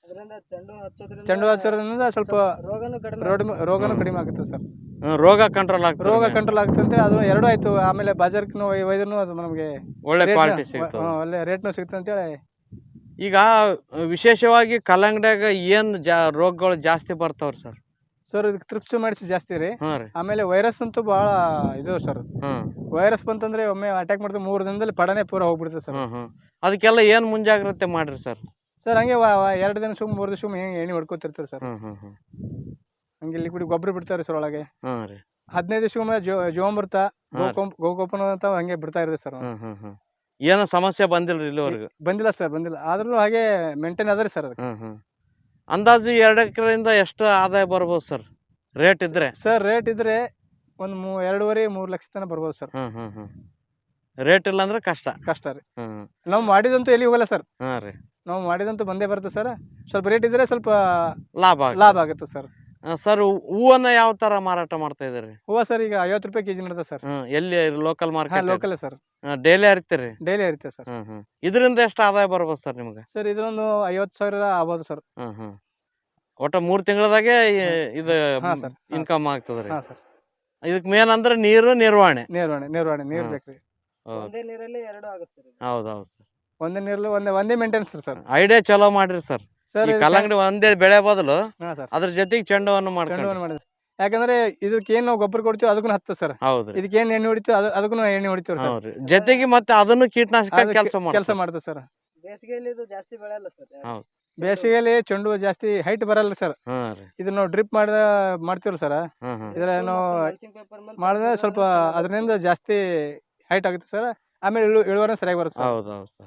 ಅದರಿಂದ ಚೆಂಡು ಹಚ್ಚೋದ್ರಿಂದ ಚೆಂಡು ಹಚ್ಚೋದ್ರಿಂದ ಸ್ವಲ್ಪ ರೋಗನೂ ಕಡಿಮೆ ರೋಡ್ ರೋಗನೂ ಕಡಿಮೆ ಆಗುತ್ತೆ ಸರ್. ಹ್ಮ್, ರೋಗ ಕಂಟ್ರೋಲ್ ಆಗ್ತದೆ. ರೋಗ ಕಂಟ್ರೋಲ್ ಆಗುತ್ತೆ ಅಂತ ಅದು ಎರಡು ಆಯ್ತು. ಆಮೇಲೆ ಬಾಜಾರ್ಕಿನೂ ಒಯ್ದ್ರೂ ಅದು ನಮಗೆ ಒಳ್ಳೆ ರೇಟ್ನ- ಕ್ವಾಲಿಟಿ ಸಿಗ್ತದೆ. ಹ್ಮ್, ಒಳ್ಳೆ ರೇಟ್ನು ಸಿಗುತ್ತೆ ಅಂತೇಳಿ. ಈಗ ವಿಶೇಷವಾಗಿ ಕಲ್ಲಂಗಡ್ಯಾಗ ಏನ್ ಜಾ ರೋಗಗಳು ಜಾಸ್ತಿ ಬರ್ತಾವ್ರಿ ಸರ್? ಸರ್ ಇದಕ್ಕೆ ತ್ರಿಪ್ಸ್ ಮಾಡಿಸಿ ಜಾಸ್ತಿ ರೀ. ಹ್ಞೂ ರೀ. ಆಮೇಲೆ ವೈರಸ್ ಅಂತೂ ಭಾಳ ಇದು ಸರ್. ಹ್ಮ್ ವೈರಸ್ ಬಂತಂದ್ರೆ ಒಮ್ಮೆ ಅಟ್ಯಾಕ್ ಮಾಡಿದ್ರೆ ಮೂರು ದಿನದಲ್ಲಿ ಪಡನೆ ಪೂರ ಹೋಗ್ಬಿಡುತ್ತೆ ಸರ್. ಹ್ಮ್ ಹ್ಮ್ ಅದಕ್ಕೆಲ್ಲ ಏನ್ ಮುಂಜಾಗ್ರತೆ ಮಾಡ್ರಿ ಸರ್? ಸರ್ ಹಂಗೆ ವಾ- ವಾ- ಎರಡು ದಿನ ಸುಮ್ ಮೂರು ದಿವಸ ಸುಮ್ ಹೆಂಗೆ ಎಣ್ಣೆ ಹೊಡ್ಕೊತಿರ್ತಾರೆ ಸರ್. ಹ್ಮ್ ಹ್ಮ್ ಹ್ಮ್ ಹಂಗೆ ಲಿಕ್ವಿಡ್ ಗೊಬ್ಬರ ಬಿಡ್ತಾರೆ ಸರ್ ಒಳಗೆ. ಹ್ಮ್ ರೀ. ಹದಿನೈದು ದಿವಸಕ್ಕೊಮ್ಮೆ ಜೋ ಜೋಂಬರ್ತ ಹಾ. ಗೋಕೋಂ ಗೋಕೋಪನ ಅಂತ ಹಂಗೆ ಬಿಡ್ತಾ ಇರುತ್ತೆ ಸರ್. ಹ್ಮ್ ಹ್ಮ್ ಹ್ಮ್ ಏನೋ ಸಮಸ್ಯೆ ಬಂದಿಲ್ರಿ ಇಲ್ಲಿವರೆಗೂ? ಬಂದಿಲ್ಲ ಸರ್, ಬಂದಿಲ್ಲ. ಆದ್ರೂ ಹಾಗೆ ಮೇಂಟೈನ್ ಅದ ರೀ ಸರ್ ಅದಕ್ಕೆ. ಹ್ಮ್ ಹ್ಮ್ ಅಂದಾಜು ಎರಡು ಎಕರೆಯಿಂದ ಎಷ್ಟು ಆದಾಯ ಬರ್ಬೋದು ಸರ್ ರೇಟ್ ಇದ್ರೆ? ಸರ್ ರೇಟ್ ಇದ್ರೆ ಒಂದು ಮೂ ಎರಡೂವರೆ ಮೂರು ಲಕ್ಷ ತನಕ ಬರ್ಬೋದು ಸರ್. ಹ್ಮ್ ಹ್ಮ್ ಹ್ಮ್ ರೇಟ್ ಇಲ್ಲ ಅಂದ್ರೆ ಕಷ್ಟ. ಕಷ್ಟ ರೀ. ಹ್ಮ್ ನಾವು ಮಾಡಿದಂತೂ ಎಲ್ಲಿ ಹೋಗಲ್ಲ ಸರ್. ಹಾ ರೀ. ನಾವು ಮಾಡಿದಂತೂ ಬಂದೇ ಬರುತ್ತೆ ಸರ್. ಸ್ವಲ್ಪ ರೇಟ್ ಇದ್ರೆ ಸ್ವಲ್ಪ ಲಾಭ ಆಗ್- ಲಾಭ ಆಗುತ್ತೆ ಸರ್. ಆ, ಸರ್ ಹೂವನ್ನ ಯಾವ ತರ ಮಾರಾಟ ಮಾಡ್ತಾ ಇದ್ದೀರಿ? ಹೂವು ಸರ್ ಈಗ ಐವತ್ತು ರೂಪಾಯಿ ಕೆಜಿ ನಡ್ದೆ ಸರ್. ಹ್ಮ್ ಎಲ್ಲಿ ಲೋಕಲ್ ಹಾ ಮಾರ್ಕೆಟ್? Local sir. ಡೈಲಿ ಹರಿತೀರಿ? ಡೈಲಿ ಇರುತ್ತೆ ಸರ್. ಹ್ಮ್ ಹ್ಮ್ ಇದರಿಂದ ಎಷ್ಟು ಆದಾಯ ಬರ್ಬೋದು ಸರ್ ನಿಮ್ಗೆ? ಸರ್ ಇದೊಂದು ಐವತ್ತು ಸಾವಿರ ಆಗ್ಬೋದು ಸರ್. ಹ್ಮ್ ಹ್ಮ್ ಒಟ್ಟ ಮೂರ್ ತಿಂಗಳದಾಗೆ ಇದು ಹಾ ಸರ್. ಇನ್ಕಮ್ ಆಗ್ತದ್ರಿ. ಹಾ ಸರ್. ಇದಕ್ ಮೇನ್ ಅಂದ್ರೆ ನೀರು ನಿರ್ವಹಣೆ. ನಿರ್ವಹಣೆ ನಿರ್ವಹಣೆ ನೀರು ಹಾ. ಬೇಕ್ರಿ. ಒಂದೇ ನೀರಲ್ಲಿ ಎರಡು ಆಗುತ್ತೆ ಸರ್. ಹೌದೌದು ಸರ್. ಒಂದೇ ನೀರಲ್ಲಿ ಒಂದೇ ಒಂದೇ ಮೇಂಟೆನೆನ್ಸ್ ಸರ್. ಐಡಿಯಾ ಚಲೋ ಮಾಡ್ರಿ ಸರ್. ಸರ್ ಈ ಕಲ್ಲಂಗಡಿ ಒಂದೇ ಬೆಳೆ ಬದಲು ಹಾ ಸರ್. ಅದ್ರ ಜೊತೆಗೆ ಚೆಂಡವನ್ನು ಮಾಡ್ಕೊಂಡು. ಚೆಂಡುವನ್ನು ಮಾಡಿದ್ವಿ. ಯಾಕಂದ್ರೆ ಇದಕ್ಕೆ ಏನ್ ನಾವು ಗೊಬ್ಬರ ಕೊಡ್ತೀವಿ ಅದಕ್ಕೂ ಹತ್ತ ಸರ್. ಹೌದ್ರಿ. ಇದಕ್ಕೆ ಏನ್ ಎಣ್ಣೆ ಹೊಡಿತೀವಿ ಅದು ಅದಕ್ಕೂ ಎಣ್ಣೆ ಹೊಡಿತೀವಿ ಸರ್. ಹೌದ್ರಿ. ಜೊತೆಗೆ ಮತ್ತೆ ಅದನ್ನು ಕೀಟನಾಶಕ ಕೆಲಸ ಕೆಲಸ ಮಾಡ್ತದೆ ಸರ್. ಬೇಸಿಗೆಯಲ್ಲಿ ಇದು ಜಾಸ್ತಿ ಬೆಳೆಯಲ್ಲ ಸರ್. ಹೌದು. ಬೇಸಿಗೆಯಲ್ಲಿ ಚೆಂಡು ಹೂವು ಜಾಸ್ತಿ ಹೈಟ್ ಬರಲ್ಲ ಸರ್. ಹಾ ರೀ. ಇದನ್ನ ನಾವು ಡ್ರಿಪ್ ಮಾಡಿದ ಮಾಡ್ತೀವಲ್ಲ ಸರ್. ಹ್ಮ್ ಹ್ಮ್ ಇದ್ರ ನಾವು ಮಾಡಿದ್ರೆ ಸ್ವಲ್ಪ ಅದರಿಂದ ಜಾಸ್ತಿ ಹೈಟ್ ಆಗುತ್ತೆ ಸರ್. ಆಮೇಲೆ ಇಳು ಇಳುವರಿ ಸರಿಯಾಗಿ ಬರುತ್ತೆ ಸರ್. ಹೌದೌದು ಸರ್.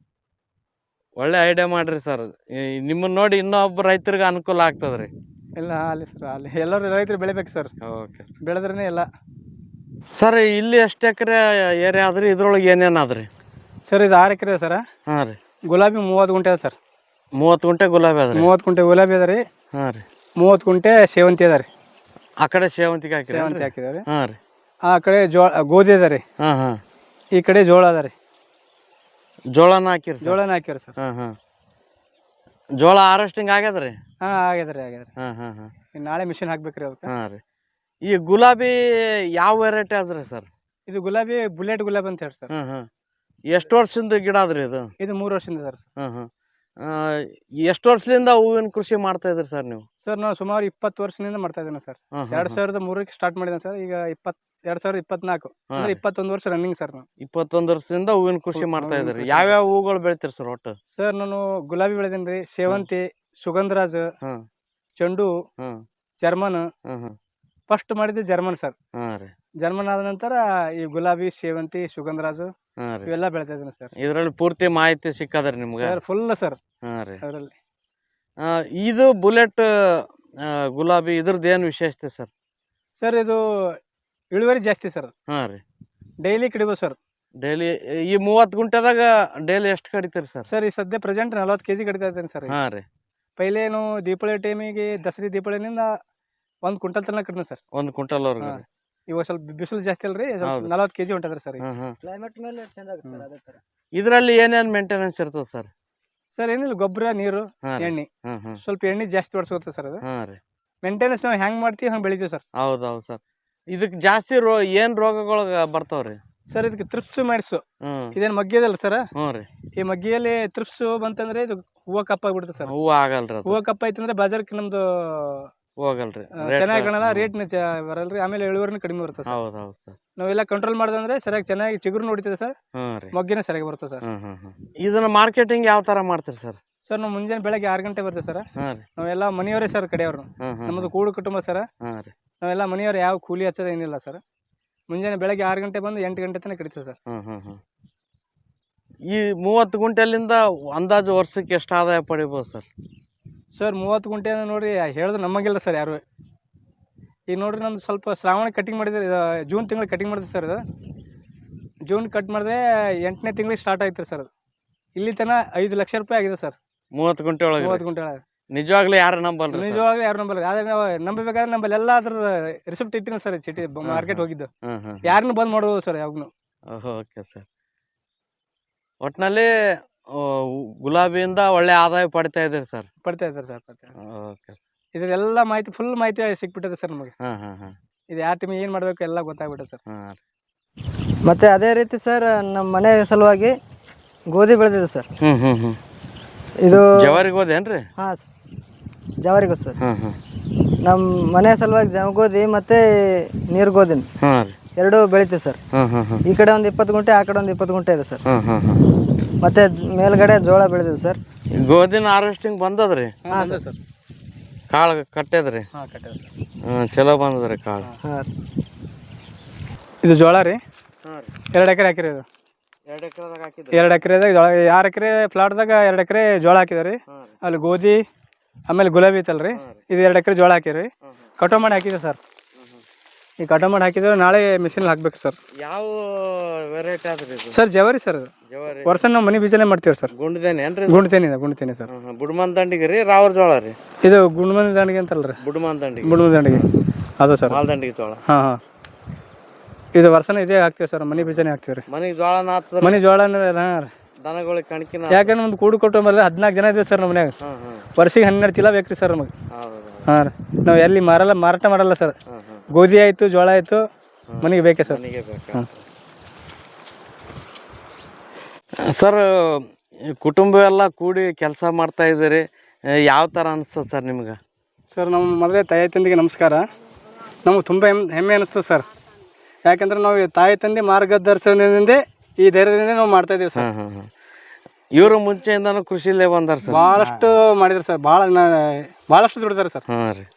ಒಳ್ಳೆ ಐಡಿಯಾ ಮಾಡ್ರಿ ಸರ್. ನಿಮ್ಮನ್ನ ನೋಡಿ ಇನ್ನೊಬ್ಬ ರೈತರಿಗೆ ಅನುಕೂಲ ಆಗ್ತದ್ರಿ. ಇಲ್ಲ ಅಲ್ಲಿ ಸರ್, ಅಲ್ಲಿ ಎಲ್ಲರೂ ರೈತರು ಬೆಳಿಬೇಕು ಸರ್. Okay sir. ಬೆಳೆದ್ರೇನೆ ಎಲ್ಲ. ಸರ್ ಇಲ್ಲಿ ಎಷ್ಟು ಎಕರೆ ಏರಿಯಾ ಆದ್ರಿ? ಇದ್ರೊಳಗೆ ಏನೇನು ಆದ್ರಿ? ಸರ್ ಇದು ಆರು ಎಕರೆ ಸರ್. ಹಾಂ ರೀ. ಗುಲಾಬಿ ಮೂವತ್ತು ಗುಂಟೆ ಅದ ಸರ್. ಮೂವತ್ತು ಗುಂಟೆ ಗುಲಾಬಿ ಅದ್ರಿ? ಮೂವತ್ತು ಗುಂಟೆ ಗುಲಾಬಿ ಅದ ರೀ. ಹಾಂ ರೀ. ಮೂವತ್ತು ಗುಂಟೆ ಸೇವಂತಿ ಅದ ರೀ. ಆ ಕಡೆ ಸೇವಂತಿಗೆ ಹಾಕಿರಿ? ಸೇವಂತಿ ಹಾಕಿದಾರೆ. ಹಾಂ ರೀ. ಆ ಕಡೆ ಜೋಳ ಗೋಧಿ ಅದ ರೀ. ಹಾಂ ಹಾಂ ಈ ಕಡೆ ಜೋಳ ಅದ ರೀ. ಜೋಳನ ಹಾಕಿರಿ ಸರ್? ಜೋಳನ ಹಾಕ್ಯಾರ ಸರ್. ಹಾಂ ಹಾಂ ಜೋಳ ಹಾರ್ವೆಸ್ಟಿಂಗ್ ಆಗ್ಯದ್ರಿ? ಹಾಂ ಆಗ್ಯದ್ರಿ ಆಗ್ಯದ್ರಿ. ಹಾಂ ಹಾಂ ಹಾಂ ಇನ್ನು ನಾಳೆ ಮಿಷಿನ್ ಹಾಕ್ಬೇಕ್ರಿ ಅದಕ್ಕೆ. ಹಾಂ ರೀ. ಈ ಗುಲಾಬಿ ಯಾವ ವೆರೈಟಿ ಅದ್ರಿ ಸರ್? ಇದು ಗುಲಾಬಿ ಬುಲೆಟ್ ಗುಲಾಬಿ ಅಂತ ಹೇಳಿ ಸರ್. ಹಾಂ ಹಾಂ ಎಷ್ಟು ವರ್ಷದಿಂದ ಗಿಡ ಅದ್ರಿ ಇದು? ಇದು ಮೂರು ವರ್ಷದಿಂದ ಸರ್. ಹಾಂ ಹಾಂ ಎಷ್ಟು ವರ್ಷದಿಂದ ಹೂವಿನ ಕೃಷಿ ಮಾಡ್ತಾ ಇದ್ರಿ ಸರ್ ನೀವು? ಸರ್ ನಾವು ಸುಮಾರು ಇಪ್ಪತ್ತು ವರ್ಷದಿಂದ ಮಾಡ್ತಾ ಇದ್ದೇನೆ ಸರ್. ಹಾಂ ಎರಡ್ ಸಾವಿರದ ಮೂರಕ್ಕೆ ಸ್ಟಾರ್ಟ್ ಮಾಡಿದ್ದೇನೆ ಸರ್. ಈಗ ಇಪ್ಪತ್ ಎರಡ್ ಸಾವಿರದ ಇಪ್ಪತ್ನಾಲ್ಕು ಅಂದ್ರೆ ಇಪ್ಪತ್ತೊಂದು ವರ್ಷ ರನ್ನಿಂಗ್ ಸರ್. ನಾವು ಇಪ್ಪತ್ತೊಂದು ವರ್ಷದಿಂದ ಹೂವಿನ ಕೃಷಿ ಹೂ- ಮಾಡ್ತಾ ಹೂವಿನ ಇದ್ರಿ. ಕೃಷಿ ಯಾವ್ಯಾವ ಹೂಗಳು ಬೆಳಿತೀರಿ ಸರ್ ಒಟ್ಟು? ಸರ್ ನಾನು ಗುಲಾಬಿ ಬೆಳೆದೇನಿ ರೀ, ಸೇವಂತಿ, ಸುಗಂಧರಾಜ್, ಹಾಂ ಚೆಂಡು, ಹಾಂ ಜರ್ಮನ್. ಹಾಂ ಹಾಂ ಫಸ್ಟ್ ಮಾಡಿದ್ದು ಜರ್ಮನ್ ಸರ್. ಹಾಂ ರೀ. ಜರ್ಮನ್ ಆದ ನಂತರ ಈ ಗುಲಾಬಿ, ಸೇವಂತಿ, ಸುಗಂಧರಾಜು ಹಾಂ ರೀ. ಇವೆಲ್ಲ ಬೆಳಿತಾ ಇದ್ದೇನೆ ಸರ್. ಇದ್ರಲ್ಲಿ ಪೂರ್ತಿ ಮಾಹಿತಿ ಸಿಕ್ಕದ್ರಿ ನಿಮ್ಗೆ? ಸರ್ ಫುಲ್ ಸರ್ ಹಾಂ ರೀ. ಅದರಲ್ಲಿ. ಆ, ಇದು ಬುಲೆಟ್ ಆ, ಗುಲಾಬಿ ಇದ್ರದ್ದು ಏನು ವಿಶೇಷತೆ ಸರ್? ಸರ್ ಇದು ಇಳುವರಿ ಜಾಸ್ತಿ ಸರ್. ಹಾಂ ರೀ. Daily ಕಡಿಬೋದು sir. ಡೈಲಿ ಈ ಮೂವತ್ತು ಗುಂಟೆದಾಗ ಡೈಲಿ ಎಷ್ಟು ಕಡಿತೀರಿ ಸರ್? ಸರ್ ಈ ಸದ್ಯ ಪ್ರೆಸೆಂಟ್ ನಲ್ವತ್ತು ಕೆಜಿ ಕಡಿತಾ ಇದ್ದೇನೆ ಸರ್. ಹಾಂ ರೀ. ಪೈಲೇನು ದೀಪಾವಳಿ ಟೈಮಿಗೆ ದಸರಿ ದೀಪಾವಳಿನಿಂದ ಒಂದು ಕ್ವಿಂಟಲ್ ತನಕ ಕಡಿಮೆ ಸರ್. ಒಂದು ಕ್ವಿಂಟಲ್ವರೆಗೂ? ಹಾಂ. ಇವಾಗ ಸ್ವಲ್ಪ ಬಿಸಿಲು ಜಾಸ್ತಿ ಅಲ್ರಿ, ಹೌದು. ನಲವತ್ತು ಕೆಜಿ ಹೊಂಟದ್ರಿ ಸರ್. ಹಾಂ ಹಾಂ ಕ್ಲೈಮೇಟ್ ಮೇಲೆ ಚೇಂಜ್ ಆಗುತ್ತೆ ಸರ್ ಅದೇ ಥರ. ಇದರಲ್ಲಿ ಏನೇನು ಮೇಂಟೆನೆನ್ಸ್ ಇರ್ತದೆ ಸರ್? ಸರ್ ಏನಿಲ್ಲ, ಗೊಬ್ಬರ, ನೀರು, ಹಾಂ ರೀ. ಎಣ್ಣೆ. ಹಾಂ ಹಾಂ ಸ್ವಲ್ಪ ಎಣ್ಣೆ ಜಾಸ್ತಿ ಹೊಡ್ಸ್ಕೊತ ಸರ್. ಅದು ಹಾಂ ರೀ. ಮೇಂಟೆನೆನ್ಸ್ ನಾವು ಹೆಂಗ್ ಮಾಡ್ತೀವಿ ಹಂಗೆ ಬೆಳಿತೀವಿ ಸರ್. ಹೌದು ಹೌದು ಸರ್. ಇದಕ್ಕೆ ಜಾಸ್ತಿ ರೋ ಏನು ರೋಗಗಳು ಬರ್ತಾವ್ರಿ? ಸರ್ ಇದಕ್ಕೆ ತ್ರಿಪ್ಸ್ ಮಾಡಿಸು ಹ್ಞೂ ಇದೇನು ಮಗ್ಗಿದಲ್ಲ ಸರ್. ಹ್ಞೂ ರೀ. ಈ ಮಗ್ಗಿಯಲ್ಲಿ ತ್ರಿಪ್ಸ್ ಬಂತಂದ್ರೆ ಇದು ಹೂವು ಕಪ್ಪಾಗ್ಬಿಡುತ್ತೆ ಸರ್. ಹೂವು ಆಗಲ್ರಿ ಅದು? ಹೂವು ಕಪ್ಪಾಯ್ತಂದ್ರೆ ಬಾಜಾರ್ಕ್ಕೆ ನಮ್ದು ಹೋಗಲ್ರಿ, ಚೆನ್ನಾಗಿ ಕಾಣಲ್ಲ, ರೇಟ್ನ ಬರಲ್ರಿ, ಆಮೇಲೆ ಇಳುವರಿನೂ ಕಡಿಮೆ ಬರುತ್ತೆ ಸರ್. ಹೌದು ಹೌದು ಸರ್. ನಾವೆಲ್ಲ ಕಂಟ್ರೋಲ್ ಮಾಡ್ದಂದ್ರೆ ಸರಿಯಾಗಿ ಚೆನ್ನಾಗಿ ಚಿಗುರು ನೋಡ್ತಿದೆ ಸರ್. ಹ್ಞೂ ರೀ. ಮೊಗ್ಗಿನ ಸರಿಯಾಗಿ ಬರುತ್ತೆ ಸರ್. ಹ್ಞೂ ಹ್ಞೂ ಹ್ಞೂ ಇದನ್ನ ಮಾರ್ಕೆಟಿಂಗ್ ಯಾವ ಥರ ಮಾಡ್ತೀರಿ ಸರ್? ಸರ್ ನಾವು ಮುಂಜಾನೆ ಬೆಳಗ್ಗೆ ಆರು ಗಂಟೆ ಬರ್ತೇವೆ ಸರ್. ಹಾಂ ರೀ. ನಾವೆಲ್ಲ ಮನೆಯವರೇ ಸರ್ ಕಡೆಯವ್ರು. ಹ್ಞೂ ಹ್ಞೂ ನಮ್ಮದು ಕೂಡು ಕುಟುಂಬ ಸರ್. ಹಾಂ ರೀ. ನಾವೆಲ್ಲ ಮನೆಯವ್ರು ಯಾವ ಕೂಲಿ ಹಚ್ಚೋದು ಏನಿಲ್ಲ ಸರ್. ಮುಂಜಾನೆ ಬೆಳಗ್ಗೆ ಆರು ಗಂಟೆ ಬಂದು ಎಂಟು ಗಂಟೆ ತನಕ ಕಡಿತೀವಿ ಸರ್. ಹ್ಞೂ ಹ್ಞೂ ಹ್ಞೂ ಈ ಮೂವತ್ತು ಗುಂಟೆಲಿಂದ ಅಂದಾಜು ವರ್ಷಕ್ಕೆ ಎಷ್ಟು ಆದಾಯ ಪಡಿಬೋದು ಸರ್? ಸರ್ ಮೂವತ್ತು ಗುಂಟೆ ನೋಡ್ರಿ ಹೇಳಿದ್ರೆ ನಮಗಿಲ್ಲ ಸರ್ ಯಾರು. ಈಗ ನೋಡ್ರಿ ನಮ್ದು ಸ್ವಲ್ಪ ಶ್ರಾವಣ ಕಟಿಂಗ್ ಮಾಡಿದ್ರೆ ಇದು ಜೂನ್ ತಿಂಗಳು ಕಟಿಂಗ್ ಮಾಡಿದ್ವಿ ಸರ್. ಇದು ಜೂನ್ ಕಟ್ ಮಾಡಿದ್ರೆ ಎಂಟನೇ ತಿಂಗಳಿಗೆ ಸ್ಟಾರ್ಟ್ ಆಯ್ತು ಸರ್. ಅದು ಇಲ್ಲಿ ತನಕ ಐದು ಲಕ್ಷ ರೂಪಾಯಿ ಆಗಿದೆ ಸರ್. ಮೂವತ್ತು ಗುಂಟೆ ಒಳಗೆ? ಮೂವತ್ತು ಗುಂಟೆ ಒಳಗೆ. ನಿಜವಾಗ್ಲೂ ಯಾರು ನಂಬಲ್ರಿ? ನಿಜವಾಗ್ಲೂ ಯಾರು ನಂಬಲ್ಲ. ಆದ್ರೆ ನಾವು ನಂಬಬೇಕಾದ್ರೆ ನಮ್ಮಲ್ಲಿ ಎಲ್ಲ ಅದ್ರ ರಿಸಿಪ್ಟ್ ಇಟ್ಟಿನ ಸರ್. ಚೀಟಿ ಮಾರ್ಕೆಟ್ ಹೋಗಿದ್ದು ಹ್ಞೂ ಹ್ಞೂ ಯಾರನ್ನು ಬಂದ್ ಮಾಡ್ಬೋದು ಸರ್ ಯಾವಾಗ್ನು. Okay sir. ಒಟ್ಟಿನಲ್ಲಿ ಗುಲಾಬಿಯಿಂದ ಒಳ್ಳೆ ಆದಾಯ ಪಡಿತಾ ಇದ್ದೀರಿ ಸರ್. ಪಡ್ತಾ ಇದ್ದಾರೆ ಸರ್ ಪಡ್ತಾ ಇದ್ದಾರೆ. ಓಕೆ. ಇದೆಲ್ಲ ಮಾಹಿತಿ ಫುಲ್ ಮಾಹಿತಿ ಸಿಕ್ಬಿಟ್ಟಿದೆ ಸರ್ ನಮಗೆ. ಹಾಂ ಹಾಂ ಹಾಂ ಇದು ಯಾವ ಟೈಮಿಗೆ ಏನು ಮಾಡಬೇಕು ಎಲ್ಲ ಗೊತ್ತಾಗ್ಬಿಟ್ಟೆ ಸರ್. ಹಾಂ ರೀ. ಮತ್ತು ಅದೇ ರೀತಿ ಸರ್ ನಮ್ಮ ಮನೆ ಸಲುವಾಗಿ ಗೋಧಿ ಬೆಳೆದಿದೆ ಸರ್. ಹ್ಞೂ ಹ್ಞೂ ಹ್ಞೂ ಇದು ಜವಾರಿಗೆ ಹೋದೇನ್ರಿ? ಹಾಂ ಸರ್ ಜವಾರಿ ಗೊತ್ತು ಸರ್. ಹಾಂ ಹಾಂ ನಮ್ಮ ಮನೆ ಸಲುವಾಗಿ ಜವ ಗೋಧಿ ಮತ್ತು ನೀರು ಗೋಧಿ ಹಾಂ ರೀ. ಎರಡೂ ಬೆಳಿತೀವಿ ಸರ್. ಹಾಂ ಹಾಂ ಹಾಂ ಈ ಕಡೆ ಒಂದು ಇಪ್ಪತ್ತು ಗುಂಟೆ ಆ ಕಡೆ ಒಂದು ಇಪ್ಪತ್ತು ಗುಂಟೆ ಇದೆ ಸರ್. ಹಾಂ ಹಾಂ ಹಾಂ ಮತ್ತು ಮೇಲ್ಗಡೆ ಜೋಳ ಬೆಳೆದಿದೆ ಸರ್. ಗೋಧಿನ ಹಾರ್ವೆಸ್ಟಿಂಗ್ ಬಂದದ್ರಿ? ಹಾಂ ಸರ್. ಕಾಳು ಕಟ್ಟದ್ರಿ? ಹಾಂ ಕಟ್ಟಿದೆ ಸರ್. ಹ್ಞೂ ಚಲೋ ಬಂದದ್ರಿ ಕಾಳು. ಹಾಂ ರೀ. ಇದು ಜೋಳ ರೀ. ಹಾಂ ರೀ. ಎರಡು ಎಕರೆ ಹಾಕಿರಿ ಇದು. ಎರಡು ಎಕರೆದಾಗ ಹಾಕಿದ್ರಿ? ಎರಡು ಎಕರೆದಾಗ ಜೋಳ, ಆರು ಎಕರೆ ಪ್ಲಾಟ್ದಾಗ ಎರಡು ಎಕರೆ ಜೋಳ ಹಾಕಿದಾರೆ ರೀ. ಹಾಂ ರೀ. ಅಲ್ಲಿ ಗೋಧಿ ಆಮೇಲೆ ಗುಲಾಬಿ ಐತಲ್ರಿ, ಇದು ಎರಡು ಎಕರೆ ಜೋಳ ಹಾಕಿರಿ. ಕಟಾವು ಮಾಡಿ ಹಾಕಿದೆ ಸರ್. ಈ ಕಟಾವು ಮಾಡಿ ಹಾಕಿದ್ರೆ ನಾಳೆ ಮಿಷಿನ್ ಹಾಕ್ಬೇಕು ಸರ್. ಯಾವ ವೆರೈಟಿ ಆದ್ರಿ ಇದು? ಸರ್ ಜವಾರಿ ಸರ್. ಅದು ಜವಾರಿ ವರ್ಷ ನಾವು ಮನಿ ಬೀಜನೇ ಮಾಡ್ತೀವಿ ಸರ್. ಗುಂಡ್ದೇನೆ ಏನ್ರಿ? ಗುಂಡ್ತೇನೆ ಇದೆ, ಗುಂಡ್ತೇನೆ ಸರ್. ಬುಡ್ಮನ್ ದಂಡಿಗೆ ರೀ ರಾವ್ರ ಜೋಳ ರೀ? ಇದು ಗುಂಡ್ಮನಿ ದಂಡಿಗೆ ಅಂತಲ್ರಿ, ಬುಡ್ಮನ್ ದಂಡಿಗೆ. ಬುಡ್ಮನಿ ದಂಡಿಗೆ ಅದು ಸರ್. ಮಾಲ್ ದಂಡಿಗೆ ಜೋಳ. ಹಾಂ ಹಾಂ ಇದು ವರ್ಷನ ಇದೇ ಹಾಕ್ತೀವಿ ಸರ್, ಮನಿ ಬೀಜನೇ ಹಾಕ್ತೀವಿ ರೀ. ಮನೆಗೆ ಜೋಳನ ಹಾಕ್ತಾರೆ? ಮನಿ ಜೋಳ ಹಾಂ ರೀ. ದನಗಳಿಗೆ ಕಣಕಿನ? ಯಾಕಂದ್ರೆ ಒಂದು ಕೂಡು ಕೊಟ್ಟು ಮೇಲೆ ಹದಿನಾಲ್ಕು ಜನ ಇದೆ ಸರ್ ನಮ್ಮ ಮನ್ಯಾಗ. ಹಾಂ ಹಾಂ ವರ್ಷಿಗೆ ಹನ್ನೆರಡು ಚೀಲ ಬೇಕು ರೀ ಸರ್ ನಮಗೆ. ಹೌದು. ಹಾಂ ರೀ. ನಾವು ಎಲ್ಲಿ ಮಾರಲ್ಲ, ಮಾರಾಟ ಮಾಡಲ್ಲ ಸರ್. ಹಾಂ ಹಾಂ ಗೋಧಿ ಆಯಿತು, ಜೋಳ ಆಯಿತು, ಮನೆಗೆ ಬೇಕೇ ಸರ್. ಮನೆಗೆ ಬೇಕಾ ಸರ್? ಕುಟುಂಬ ಎಲ್ಲ ಕೂಡಿ ಕೆಲಸ ಮಾಡ್ತಾ ಇದ್ದೀರಿ, ಯಾವ ಥರ ಅನಿಸ್ತದೆ ಸರ್ ನಿಮ್ಗೆ? ಸರ್ ನಮ್ಮ ಮೊದಲೇ ತಾಯಿ ತಂದೆಗೆ ನಮಸ್ಕಾರ. ನಮಗೆ ತುಂಬ ಹೆಮ್ಮೆ ಹೆಮ್ಮೆ ಅನಿಸ್ತದೆ ಸರ್. ಯಾಕಂದ್ರೆ ನಾವು ಈ ತಾಯಿ ತಂದೆ ಮಾರ್ಗದರ್ಶನದಿಂದ ಈ ಧೈರ್ಯದಿಂದ ನಾವು ಮಾಡ್ತಾ ಇದ್ದೀವಿ ಸರ್. ಹಾಂ ಹಾಂ ಹಾಂ ಇವರು ಮುಂಚೆಯಿಂದನೂ ಕೃಷಿಲೇ ಬಂದಾರ ಸರ್? ಭಾಳಷ್ಟು ಮಾಡಿದ್ರು ಸರ್, ಭಾಳ ಭಾಳಷ್ಟು ದುಡಿದಾರೆ ಸರ್. ಹಾಂ ರೀ.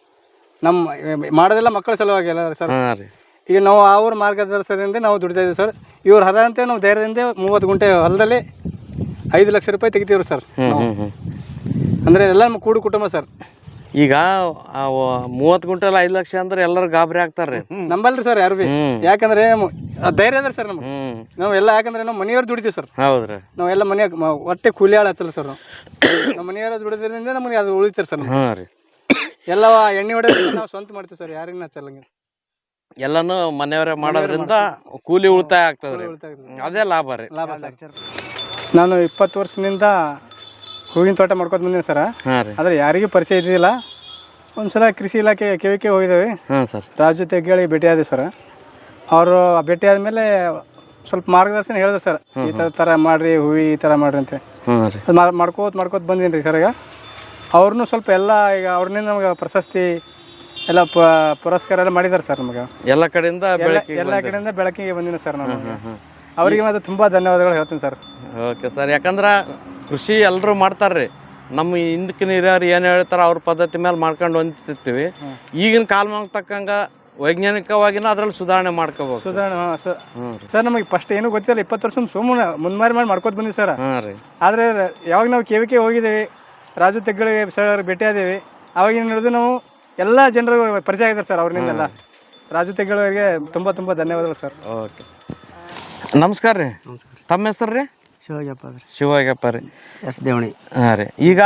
ನಮ್ಮ ಮಾಡೋದೆಲ್ಲ ಮಕ್ಕಳ ಸಲುವಾಗಿ ಎಲ್ಲ ಸರ್. ಹಾಂ ರೀ. ಈಗ ನಾವು ಅವ್ರ ಮಾರ್ಗದರ್ಶನದಿಂದ ನಾವು ದುಡಿತಾ ಇದ್ದೀವಿ ಸರ್. ಇವ್ರು ಹದಂತೆ ನಾವು ಧೈರ್ಯದಿಂದ ಮೂವತ್ತು ಗುಂಟೆ ಹೊಲದಲ್ಲಿ ಐದು ಲಕ್ಷ ರೂಪಾಯಿ ತೆಗಿತೀವ್ರಿ ಸರ್. ಹ್ಞೂ ಹ್ಞೂ ಹ್ಞೂ ಅಂದರೆ ಎಲ್ಲ ನಮ್ಮ ಕೂಡು ಕುಟುಂಬ ಸರ್. ಈಗ ಮೂವತ್ತು ಗುಂಟೆಲ್ಲ ಐದು ಲಕ್ಷ ಅಂದ್ರೆ ಎಲ್ಲರೂ ಗಾಬರಿ ಆಗ್ತಾರೆ ನಂಬಲ್ರಿ ಸರ್ ಯಾರು ಭೀ. ಯಾಕಂದ್ರೆ ಮ- ಆ ಧೈರ್ಯ ಅದ ಸರ್ ನಮ್ಗೆ. ಹ್ಮ್ ನಾವು ಎಲ್ಲ ಯಾಕಂದ್ರೆ ನಾವು ಮನೆಯವ್ರು ದುಡಿತೀವಿ ಸರ್. ಹೌದ್ರಿ. ನಾವೆಲ್ಲ ಮನೆಯಾಗ ಮ- ಹೊಟ್ಟೆ ಕೂಲಿ ಆಳು ಹಚ್ಚಲ್ಲ ಸರ್ ನಾವು. ನಮ್ಮ ಮನೆಯವ್ರ ದುಡಿದ್ರಿಂದ ನಮಗೆ ಅದು ಉಳಿತಾರೆ ಸರ್. ಹಾಂ ರೀ. ಎಲ್ಲ ಎಣ್ಣೆ ಹೊಡೆದ್ರೆ ನಾವು ಸ್ವಂತ ಮಾಡ್ತೀವಿ ಸರ್, ಯಾರಿಗೂ ಹಚ್ಚಲ್ಲ. ಎಲ್ಲಾನು ಮನೆಯವರೇ ಮಾಡೋದ್ರಿಂದ ಕೂಲಿ ಉಳಿತಾಯ ಆಗ್ತದ್ರಿ, ಉಳಿತಾಯ ಆಗ್ತದೆ. ಅದೇ ಲಾಭ ರೀ. ಲಾಭ ಸರ್. ನಾನು ಇಪ್ಪತ್ತು ವರ್ಷದಿಂದ ಹೂವಿನ ತೋಟ ಮಾಡ್ಕೊತ ಬಂದೀನಿ ಸರ್. ಹಾಂ ರೀ. ಆದರೆ ಯಾರಿಗೂ ಪರಿಚಯ ಇದ್ದಿಲ್ಲ. ಒಂದ್ಸಲ ಕೃಷಿ ಇಲಾಖೆ ಕೆ ಹೋಗಿದ್ದೇವೆ. ಹಾಂ ಸರ್. ರಾಜು ತೆಗ್ಗೇಳಿ ಭೇಟಿ ಆದ್ವಿ ಸರ್. ಅವರು ಭೇಟಿ ಆದಮೇಲೆ ಸ್ವಲ್ಪ ಮಾರ್ಗದರ್ಶನ ಹೇಳಿದ್ರು ಸರ್, ಈ ಥರ ಥರ ಮಾಡಿರಿ, ಹೂವಿ ಈ ಥರ ಮಾಡಿರಿ ಅಂತ. ಹಾಂ ರೀ. ಅದು ಮಾ- ಮಾಡ್ಕೋತ ಮಾಡ್ಕೋತ ಬಂದೀನಿ ರೀ ಸರ್. ಈಗ ಅವ್ರನ್ನೂ ಸ್ವಲ್ಪ ಎಲ್ಲ ಈಗ ಅವ್ರನ್ನಿಂದ ನಮಗೆ ಪ್ರಶಸ್ತಿ ಎಲ್ಲ ಪ ಪುರಸ್ಕಾರ ಎಲ್ಲ ಮಾಡಿದ್ದಾರೆ ಸರ್ ನಮಗೆ. ಎಲ್ಲ ಕಡೆಯಿಂದ ಎಲ್ಲ ಬೆಳಕಿಗೆ ಎಲ್ಲ ಕಡೆಯಿಂದ ಬೆಳಕಿಗೆ ಬಂದಿನಿ ಸರ್ ನಾನು. ಹ್ಮ್, ಹ್ಮ್. ಅವರಿಗೆ ಮತ್ತೆ ತುಂಬ ಧನ್ಯವಾದಗಳು ಹೇಳ್ತೀನಿ ಸರ್. Okay sir. ಯಾಕಂದ್ರೆ ಕೃಷಿ ಎಲ್ಲರೂ ಮಾಡ್ತಾರ್ರಿ. ನಮ್ಮ ಹಿಂದಕ್ಕಿನ ಹಿರಿಯರು ಏನು ಹೇಳ್ತಾರೆ ಅವ್ರ ಪದ್ಧತಿ ಮೇಲೆ ಮಾಡ್ಕೊಂಡು ಹೊಂದಿರ್ತೀವಿ. ಈಗಿನ ಕಾಲಮಾನಕ್ಕೆ ತಕ್ಕಂಗೆ ವೈಜ್ಞಾನಿಕವಾಗಿನ ಅದ್ರಲ್ಲಿ ಸುಧಾರಣೆ ಮಾಡ್ಕೋಬೇಕು. ಸುಧಾರಣೆ ಹಾಂ ಸರ್. ಹ್ಞೂ ರೀ. ಸರ್ ನಮಗೆ ಫಸ್ಟ್ ಏನೂ ಗೊತ್ತಿಲ್ಲ, ಇಪ್ಪತ್ತು ವರ್ಷ ಸುಮ್ಮನೆ ಮುನ್ಮಾರಿ ಮಾಡಿ ಮಾಡ್ಕೋತ ಬಂದಿವಿ ಸರ್. ಹಾಂ ರೀ. ಆದರೆ ಯಾವಾಗ ನಾವು ಕೆ ವಿ ಕೆ ಹೋಗಿದ್ದೀವಿ, ರಾಜು ತೆಗ್ಗಳಿಗೆ ಸರ್ ಭೇಟಿ ಆದೇವಿ, ಅವಾಗ ಏನು ಹೇಳಿದ್ರು ನಾವು ಎಲ್ಲ ಜನರು ಪರಿಚಯ ಆಗಿದ್ದಾರೆ ಸರ್ ಅವ್ರನ್ನಿಂದೆಲ್ಲ. ರಾಜು ತೆಗ್ಗಳಿಗೆ ತುಂಬ ತುಂಬ ಧನ್ಯವಾದಗಳು ಸರ್. Okay sir. ನಮಸ್ಕಾರ ರೀ. ತಮ್ಮ ಹೆಸರು ರೀ? ಶಿವಾಜಪ್ಪ ರೀ. ಶಿವಾಗಪ್ಪ ರೀ. ಎಸ್ ದೇವಣಿ. ಹಾಂ ರೀ. ಈಗ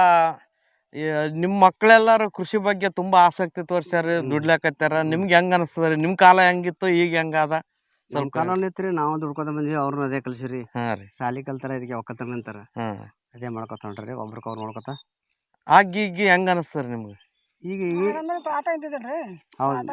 ಈ ನಿಮ್ಮ ಮಕ್ಕಳೆಲ್ಲರೂ ಕೃಷಿ ಬಗ್ಗೆ ತುಂಬಾ ಆಸಕ್ತಿ ತೋರ್ಸ್ಯಾರ, ದುಡ್ಲಾಕತ್ತಾರ. ನಿಮ್ಗೆ ಹೆಂಗ ಅನಿಸ್ತದ ರೀ? ನಿಮ್ಮ ಕಾಲ ಹೆಂಗಿತ್ತು, ಈಗ ಹೆಂಗದ? ಸ್ವಲ್ಪ ಕಾಲ ಐತ್ರಿ, ನಾವು ದುಡ್ಕೋತ ಬಂದಿವಿ, ಅವ್ರನ್ನ ಅದೇ ಕಲ್ಸಿರಿ. ಹಾಂ ರೀ. ಸಾಲಿ ಕಲ್ತಾರ, ಇದಕ್ಕೆ ಒಕ್ಕತ್ತಾರ ನಿಂತಾರ, ಹಾಂ ಅದೇ ಮಾಡ್ಕೊತ ಹೊಂಟ್ರಿ, ಒಬ್ರಿಗೆ ಅವ್ರು ನೋಡ್ಕೊತ. ಆಗಿ ಈಗ ಹೆಂಗ ಅನಿಸ್ತದ ನಿಮ್ಗೆ? ಈಗ ಈಗ ಹೌದು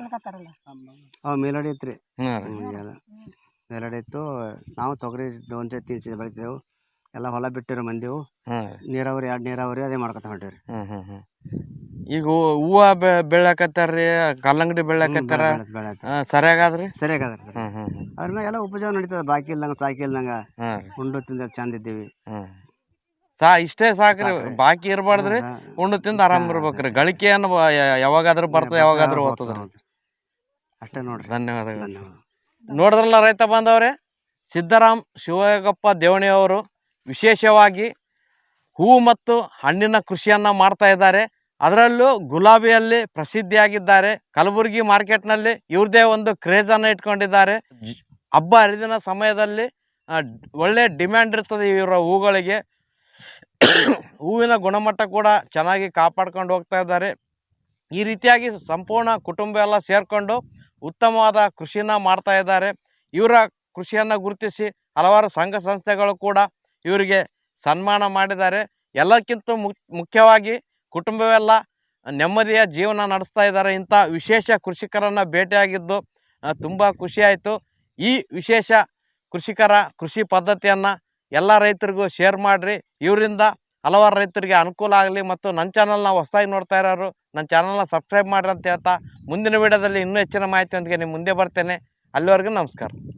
ಅವ್ ಮೇಲಡಿ ಐತ್ರಿ. ಹಾಂ ರೀ. ಮೇಲಡಿ ಇತ್ತು. ನಾವು ತೊಗರಿ ಒಂದ್ ಸತಿ ತೀರ್ಸಿ ಬೆಳಿತೇವು, ಎಲ್ಲ ಹೊಲ ಬಿಟ್ಟಿರೋ ಮಂದಿವು. ಹಾಂ. ನೀರಾವರಿ ಎರಡು ನೀರಾವರಿ ಅದೇ ಮಾಡ್ಕೊತ ಹೊಂಟೇವ್ರಿ. ಹ್ಮ್ ಹ್ಮ್ ಹ್ಮ್ ಈಗ ಹೂವ ಬೆ ಬೆಳ್ಯಾಕತ್ತಾರ್ರಿ, ಕಲ್ಲಂಗಡಿ ಬೆಳ್ಯಾಕತ್ತಾರ, ಸರಿಯಾಗಾದ್ರಿ? ಸರಿಯಾಗದ್ರಿ. ಹ್ಮ್ ಹ್ಮ್ ಹ್ಮ್ ಅದ್ರ ಮ್ಯಾಗ ಎಲ್ಲ ಉಪಜಾವ ನಡೀತದ, ಬಾಕಿ ಇಲ್ದಂಗ ಸಾಕಿ ಇಲ್ದಂಗ ಹಾಂ. ಉಂಡು ತಿಂದ ಚಂದ ಇದ್ದೀವಿ. ಹ್ಮ್ ಸಾ ಇಷ್ಟೇ ಸಾಕ್ರಿ, ಬಾಕಿ ಇರಬಾರ್ದ್ರಿ. ಉಂಡು ತಿಂದು ಆರಾಮ್ ಇರ್ಬೇಕ್ರಿ. ಗಳಿಕೆಯನ್ನು ಯಾವಾಗಾದ್ರೂ ಬರ್ತದೆ, ಯಾವಾಗಾದ್ರೂ ಹೋಗ್ತದ್ರಿ. ಅಷ್ಟೇ ನೋಡ್ರಿ. ಧನ್ಯವಾದಗಳು. ನೋಡಿದ್ರಲ್ಲ ರೈತ ಬಾಂಧವರೇ, ಸಿದ್ದರಾಮ್ ಶಿವಯೋಗಪ್ಪ ದೇವಣಿ ಅವರು ವಿಶೇಷವಾಗಿ ಹೂವು ಮತ್ತು ಹಣ್ಣಿನ ಕೃಷಿಯನ್ನು ಮಾಡ್ತಾ ಇದ್ದಾರೆ. ಅದರಲ್ಲೂ ಗುಲಾಬಿಯಲ್ಲಿ ಪ್ರಸಿದ್ಧಿಯಾಗಿದ್ದಾರೆ. ಕಲಬುರಗಿ ಮಾರ್ಕೆಟ್ನಲ್ಲಿ ಇವ್ರದೇ ಒಂದು ಕ್ರೇಜನ್ನು ಇಟ್ಕೊಂಡಿದ್ದಾರೆ. ಹಬ್ಬ ಹರಿದಿನ ಸಮಯದಲ್ಲಿ ಒಳ್ಳೆ ಡಿಮ್ಯಾಂಡ್ ಇರ್ತದೆ ಇವರ ಹೂಗಳಿಗೆ. ಹೂವಿನ ಗುಣಮಟ್ಟ ಕೂಡ ಚೆನ್ನಾಗಿ ಕಾಪಾಡ್ಕೊಂಡು ಹೋಗ್ತಾ ಇದ್ದಾರೆ. ಈ ರೀತಿಯಾಗಿ ಸಂಪೂರ್ಣ ಕುಟುಂಬ ಎಲ್ಲ ಸೇರಿಕೊಂಡು ಉತ್ತಮವಾದ ಕೃಷಿನ ಮಾಡ್ತಾ ಇದ್ದಾರೆ. ಇವರ ಕೃಷಿಯನ್ನು ಗುರುತಿಸಿ ಹಲವಾರು ಸಂಘ ಸಂಸ್ಥೆಗಳು ಕೂಡ ಇವರಿಗೆ ಸನ್ಮಾನ ಮಾಡಿದ್ದಾರೆ. ಎಲ್ಲಕ್ಕಿಂತ ಮುಖ್ಯವಾಗಿ ಕುಟುಂಬವೆಲ್ಲ ನೆಮ್ಮದಿಯ ಜೀವನ ನಡೆಸ್ತಾ ಇದ್ದಾರೆ. ಇಂಥ ವಿಶೇಷ ಕೃಷಿಕರನ್ನು ಭೇಟಿಯಾಗಿದ್ದು ತುಂಬ ಖುಷಿಯಾಯಿತು. ಈ ವಿಶೇಷ ಕೃಷಿಕರ ಕೃಷಿ ಪದ್ಧತಿಯನ್ನು ಎಲ್ಲ ರೈತರಿಗೂ ಶೇರ್ ಮಾಡಿರಿ. ಇವರಿಂದ ಹಲವಾರು ರೈತರಿಗೆ ಅನುಕೂಲ ಆಗಲಿ. ಮತ್ತು ನನ್ನ ಚಾನಲ್ನ ಹೊಸದಾಗಿ ನೋಡ್ತಾ ಇರೋರು ನನ್ನ ಚಾನಲ್ನ ಸಬ್ಸ್ಕ್ರೈಬ್ ಮಾಡಿರಿ ಅಂತ ಹೇಳ್ತಾ ಮುಂದಿನ ವಿಡಿಯೋದಲ್ಲಿ ಇನ್ನೂ ಹೆಚ್ಚಿನ ಮಾಹಿತಿಯೊಂದಿಗೆ ನಿಮ್ಮ ಮುಂದೆ ಬರ್ತೇನೆ. ಅಲ್ಲಿವರೆಗೂ ನಮಸ್ಕಾರ.